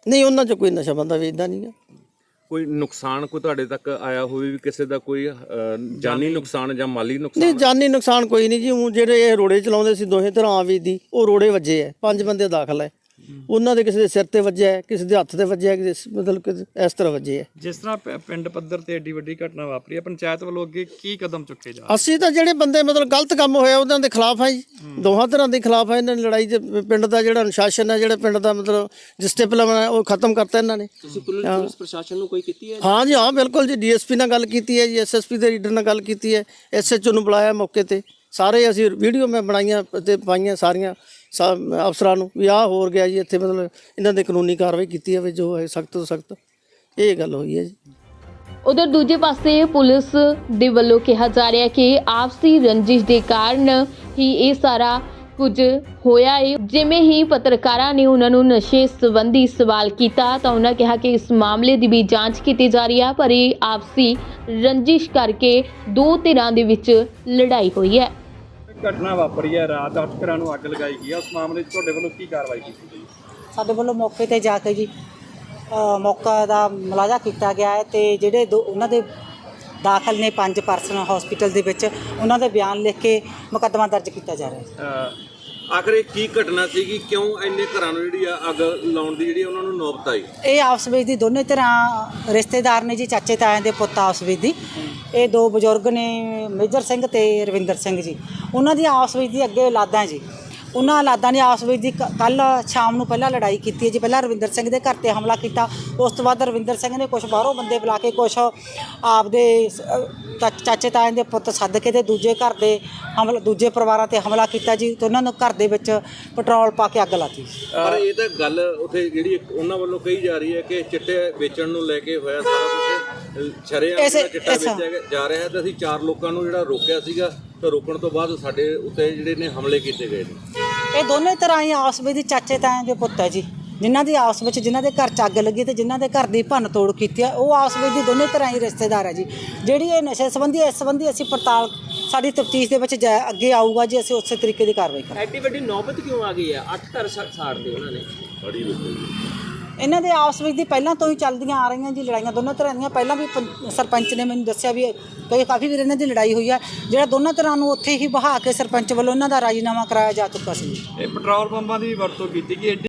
Speaker 10: ਨਹੀਂ ਉਹਨਾਂ 'ਚ ਕੋਈ ਨਸ਼ਾ ਬੰਦਾ ਵੇਚਦਾ ਨਹੀਂ ਗਾ।
Speaker 9: ਕੋਈ ਨੁਕਸਾਨ ਕੋਈ ਤੁਹਾਡੇ ਤੱਕ ਆਇਆ ਹੋਵੇ ਵੀ ਕਿਸੇ ਦਾ ਕੋਈ ਅਹ, ਜਾਨੀ ਨੁਕਸਾਨ ਜਾਂ ਮਾਲੀ
Speaker 10: ਨਹੀਂ
Speaker 9: ਨੁਕਸਾਨ?
Speaker 10: ਜਾਨੀ ਨੁਕਸਾਨ ਕੋਈ ਨਹੀਂ ਜੀ। ਊਂ ਜਿਹੜੇ ਇਹ ਰੋੜੇ ਚਲਾਉਂਦੇ ਸੀ ਦੋਹੇ ਤਰ੍ਹਾਂ ਆਵੀ ਦੀ ਉਹ ਰੋੜੇ ਵੱਜੇ ਐ, ਪੰਜ ਬੰਦੇ ਦਾਖਲ ਐ। ਉਹਨਾਂ ਦੇ ਕਿਸੇ ਦੇ ਸਿਰ ਤੇ ਵੱਜਿਆ ਹੈ, ਕਿਸੇ ਦੇ ਹੱਥ ਤੇ ਵੱਜਿਆ ਹੈ, ਕਿਸੇ ਮਤਲਬ ਕਿ ਇਸ ਤਰ੍ਹਾਂ ਵੱਜੇ ਹੈ।
Speaker 1: ਜਿਸ ਤਰ੍ਹਾਂ ਪ- ਪਿੰਡ ਪੱਧਰ ਤੇ ਏਡੀ ਵੱਡੀ ਘਟਨਾ ਵਾਪਰੀ ਹੈ, ਪੰਚਾਇਤ ਵੱਲੋਂ ਅੱਗੇ ਕੀ ਕਦਮ ਚੁੱਕੇ ਜਾ ਰਹੇ?
Speaker 10: ਅਸੀਂ ਤਾਂ ਜਿਹੜੇ ਬੰਦੇ ਮਤਲਬ ਗਲਤ ਕੰਮ ਹੋਇਆ ਉਹਨਾਂ ਦੇ ਖਿਲਾਫ ਆ ਜੀ, ਦੋਹਾਂ ਤਰ੍ਹਾਂ ਦੇ ਖਿਲਾਫ ਆ। ਇਹਨਾਂ ਨੇ ਲੜਾਈ 'ਚ ਪਿੰਡ ਦਾ ਜਿਹੜਾ ਅਨੁਸ਼ਾਸਨ ਹੈ, ਜਿਹੜਾ ਪਿੰਡ ਦਾ ਮਤਲਬ ਡਿਸਪਲਿਨ ਹੈ ਉਹ ਖਤਮ ਕਰਤਾ ਇਹਨਾਂ ਨੇ।
Speaker 11: ਤੁਸੀਂ ਪੁਲਿਸ ਪ੍ਰਸ਼ਾਸਨ ਨੂੰ ਕੋਈ ਕੀਤੀ ਹੈ?
Speaker 10: ਹਾਂ ਜੀ, ਹਾਂ ਬਿਲਕੁਲ ਜੀ। ਡੀਐਸਪੀ ਨਾਲ ਗੱਲ ਕੀਤੀ ਹੈ ਜੀ, ਐਸਐਸਪੀ ਦੇ ਰੀਡਰ ਨਾਲ ਗੱਲ ਕੀਤੀ ਹੈ, ਐਸਐਚਓ ਨੂੰ ਬੁਲਾਇਆ ਮੌਕੇ ਤੇ। ਸਾਰੇ ਅਸੀਂ ਵੀਡੀਓ ਮੈਂ ਬਣਾਈਆਂ ਤੇ ਪਾਈਆਂ ਸਾਰੀਆਂ ਸਾ- ਅਫਸਰਾਂ ਨੂੰ ਵੀ ਆਹ ਹੋਰ ਗਿਆ ਜੀ ਇੱਥੇ, ਮਤਲਬ ਇਹਨਾਂ ਦੇ ਕਾਨੂੰਨੀ ਕਾਰਵਾਈ ਕੀਤੀ ਜਾਵੇ ਜੋ ਹੈ ਸਖਤ ਤੋਂ ਸਖਤ। ਇਹ ਗੱਲ ਹੋਈ ਹੈ ਜੀ।
Speaker 8: ਉਧਰ ਦੂਜੇ ਪਾਸੇ ਪੁਲਿਸ ਦੇ ਵੱਲੋਂ ਕਿਹਾ ਜਾ ਰਿਹਾ ਕਿ ਆਪਸੀ ਰੰਜਿਸ਼ ਦੇ ਕਾਰਨ ਹੀ ਇਹ ਸਾਰਾ ਕੁਝ ਹੋਇਆ ਹੈ। ਜਿਵੇਂ ਹੀ ਪੱਤਰਕਾਰਾਂ ਨੇ ਉਹਨਾਂ ਨੂੰ ਨਸ਼ੇ ਸੰਬੰਧੀ ਸਵਾਲ ਕੀਤਾ ਤਾਂ ਉਹਨਾਂ ਕਿਹਾ ਕਿ ਇਸ ਮਾਮਲੇ ਦੀ ਵੀ ਜਾਂਚ ਕੀਤੀ ਜਾ ਰਹੀ ਹੈ, ਪਰ ਇਹ ਆਪਸੀ ਰੰਜਿਸ਼ ਕਰਕੇ ਦੋ ਧਿਰਾਂ ਦੇ ਵਿੱਚ ਲੜਾਈ ਹੋਈ ਹੈ।
Speaker 1: ਘਟਨਾ ਵਾਪਰੀ ਹੈ, ਰਾਤ ਅੱਠ ਘਰਾਂ ਨੂੰ ਅੱਗ ਲਗਾਈ ਗਈ ਹੈ, ਉਸ ਮਾਮਲੇ 'ਚ ਤੁਹਾਡੇ ਵੱਲੋਂ ਕੀ ਕਾਰਵਾਈ ਕੀਤੀ ਗਈ?
Speaker 7: ਸਾਡੇ ਵੱਲੋਂ ਮੌਕੇ ਤੇ ਜਾ ਕੇ ਜੀ ਅ, ਮੌਕਾ ਦਾ ਮੁਲਾਜ਼ਾ ਕੀਤਾ ਗਿਆ ਹੈ ਤੇ ਜਿਹੜੇ ਦੋ ਉਹਨਾਂ ਦੇ ਦਾਖਲ ਨੇ ਪੰਜ ਪਰਸਨ ਹਸਪੀਟਲ ਦੇ ਵਿੱਚ, ਉਹਨਾਂ ਦੇ ਬਿਆਨ ਲਿਖ ਕੇ ਮੁਕੱਦਮਾ ਦਰਜ ਕੀਤਾ ਜਾ ਰਿਹਾ ਹੈ।
Speaker 9: ਅਹ, ਆਖਰ ਇਹ ਕੀ ਘਟਨਾ ਸੀਗੀ, ਕਿਉਂ ਇੰਨੇ ਘਰਾਂ ਨੂੰ ਜਿਹੜੀ ਆ ਅੱਗ ਲਾਉਣ ਦੀ ਜਿਹੜੀ ਉਹਨਾਂ ਨੂੰ ਨੌਬਤ ਆਈ?
Speaker 7: ਇਹ ਆਪਸ ਵਿੱਚ ਦੀ ਦੋਨੇ ਤਰ੍ਹਾਂ ਰਿਸ਼ਤੇਦਾਰ ਨੇ ਜੀ, ਚਾਚੇ ਤਾਇਆਂ ਦੇ ਪੁੱਤ ਆਪਸ ਵਿੱਚ ਦੀ। ਇਹ ਦੋ ਬਜ਼ੁਰਗ ਨੇ, ਮੇਜਰ ਸਿੰਘ ਤੇ ਰਵਿੰਦਰ ਸਿੰਘ ਜੀ। ਉਹਨਾਂ ਦੀ ਆਪਸ ਵਿੱਚ ਦੀ ਅੱਗੇ ਔਲਾਦਾਂ ਜੀ। ਉਹਨਾਂ ਔਲਾਦਾਂ ਨੇ ਆਪਸ ਵਿੱਚ ਦੀ ਕੱਲ ਸ਼ਾਮ ਨੂੰ ਪਹਿਲਾਂ ਲੜਾਈ ਕੀਤੀ ਹੈ ਜੀ। ਪਹਿਲਾਂ ਰਵਿੰਦਰ ਸਿੰਘ ਦੇ ਘਰ ਤੇ ਹਮਲਾ ਕੀਤਾ, ਉਸ ਤੋਂ ਬਾਅਦ ਰਵਿੰਦਰ ਸਿੰਘ ਨੇ ਕੁਝ ਬਾਹਰੋਂ ਬੰਦੇ ਬੁਲਾ ਕੇ ਕੁਝ ਆਪਦੇ ਚਾ- ਚਾਚੇ ਤਾਇਆਂ ਦੇ ਪੁੱਤ ਸੱਦ ਕੇ ਤੇ ਦੂਜੇ ਘਰ ਦੇ ਹਮਲਾ ਦੂਜੇ ਪਰਿਵਾਰਾਂ ਤੇ ਹਮਲਾ ਕੀਤਾ ਜੀ ਤੇ ਉਹਨਾਂ ਨੂੰ ਘਰ ਦੇ ਵਿੱਚ ਪੈਟਰੋਲ ਪਾ ਕੇ ਅੱਗ ਲਾਤੀ।
Speaker 9: ਪਰ ਇਹ ਤਾਂ ਗੱਲ ਉੱਥੇ ਜਿਹੜੀ ਇੱਕ ਉਹਨਾਂ ਵੱਲੋਂ ਕਹੀ ਜਾ ਰਹੀ ਹੈ ਕਿ ਚਿੱਟੇ ਵੇਚਣ ਨੂੰ ਲੈ ਕੇ ਹੋਇਆ ਸਾਰਾ ਕੁਝ, ਸ਼ਰੇਆਮ
Speaker 7: ਇਸੇ-
Speaker 9: ਚਿੱਟਾ
Speaker 7: ਇਸ-
Speaker 9: ਵੇਚਿਆ ਜਾ ਰਿਹਾ ਹੈ ਤੇ ਅਸੀਂ ਚਾਰ ਲੋਕਾਂ ਨੂੰ ਜਿਹੜਾ ਰੋਕਿਆ ਸੀਗਾ ਤਾਂ ਰੋਕਣ ਤੋਂ ਬਾਅਦ ਸਾਡੇ ਉੱਤੇ ਜਿਹੜੇ ਨੇ ਹਮਲੇ ਕੀਤੇ ਗਏ ਨੇ।
Speaker 7: ਇਹ ਦੋਨੇ ਤਰ੍ਹਾਂ ਹੀ ਆਪਸ ਵਿੱਚ ਦੀ ਚਾਚੇ ਤਾਇਆਂ ਦੇ ਪੁੱਤ ਹੈ ਜੀ, ਜਿਨ੍ਹਾਂ ਦੀ ਆਪਸ ਵਿੱਚ ਜਿਨ੍ਹਾਂ ਦੇ ਘਰ 'ਚ ਅੱਗ ਲੱਗੀ ਤੇ ਜਿਨ੍ਹਾਂ ਦੇ ਘਰ ਦੀ ਭੰਨ ਤੋੜ ਕੀਤੀ ਹੈ, ਉਹ ਆਪਸ ਵਿੱਚ ਦੀ ਦੋਨੇ ਤਰ੍ਹਾਂ ਹੀ ਰਿਸ਼ਤੇਦਾਰ ਹੈ ਜੀ। ਜਿਹੜੀ ਇਹ ਨਸ਼ੇ ਸੰਬੰਧੀ ਇਸ ਸੰਬੰਧੀ ਅਸੀਂ ਪੜਤਾਲ ਸਾਡੀ ਤਫਤੀਸ਼ ਦੇ ਵਿੱਚ ਜਾ- ਅੱਗੇ ਆਊਗਾ ਜੀ, ਅਸੀਂ ਉਸੇ ਤਰੀਕੇ ਦੀ ਕਾਰਵਾਈ ਕਰਾਂਗੇ।
Speaker 11: ਐਡੀ ਵੱਡੀ ਨੌਬਤ ਕਿਉਂ ਆ ਗਈ ਹੈ? ਅੱਠ ਘਰ ਸਾ- ਸਾੜਦੇ ਉਹਨਾਂ ਨੇ।
Speaker 7: ਇਹਨਾਂ ਦੇ ਆਪਸ ਵਿੱਚ ਦੀ ਪਹਿਲਾਂ ਤੋਂ ਹੀ ਚੱਲਦੀਆਂ ਆ ਰਹੀਆਂ ਜੀ ਲੜਾਈਆਂ ਦੋਨੋਂ ਤਰ੍ਹਾਂ ਦੀਆਂ। ਪਹਿਲਾਂ ਵੀ ਪੰ- ਸਰਪੰਚ ਨੇ ਮੈਨੂੰ ਦੱਸਿਆ ਵੀ ਕਈ ਕਾਫੀ ਵਾਰ ਇਹਨਾਂ ਦੀ ਲੜਾਈ ਹੋਈ ਆ, ਜਿਹੜਾ ਦੋਨਾਂ ਤਰ੍ਹਾਂ ਨੂੰ ਉੱਥੇ ਹੀ ਬਹਾ ਕੇ ਸਰਪੰਚ ਵੱਲੋਂ ਇਹਨਾਂ ਦਾ ਰਾਜੀਨਾਮਾ ਕਰਾਇਆ ਜਾ ਚੁੱਕਾ ਸੀ।
Speaker 1: ਇਹ ਪੈਟਰੋਲ ਪੰਪਾਂ ਦੀ ਵਰਤੋਂ ਕੀਤੀ ਕਿ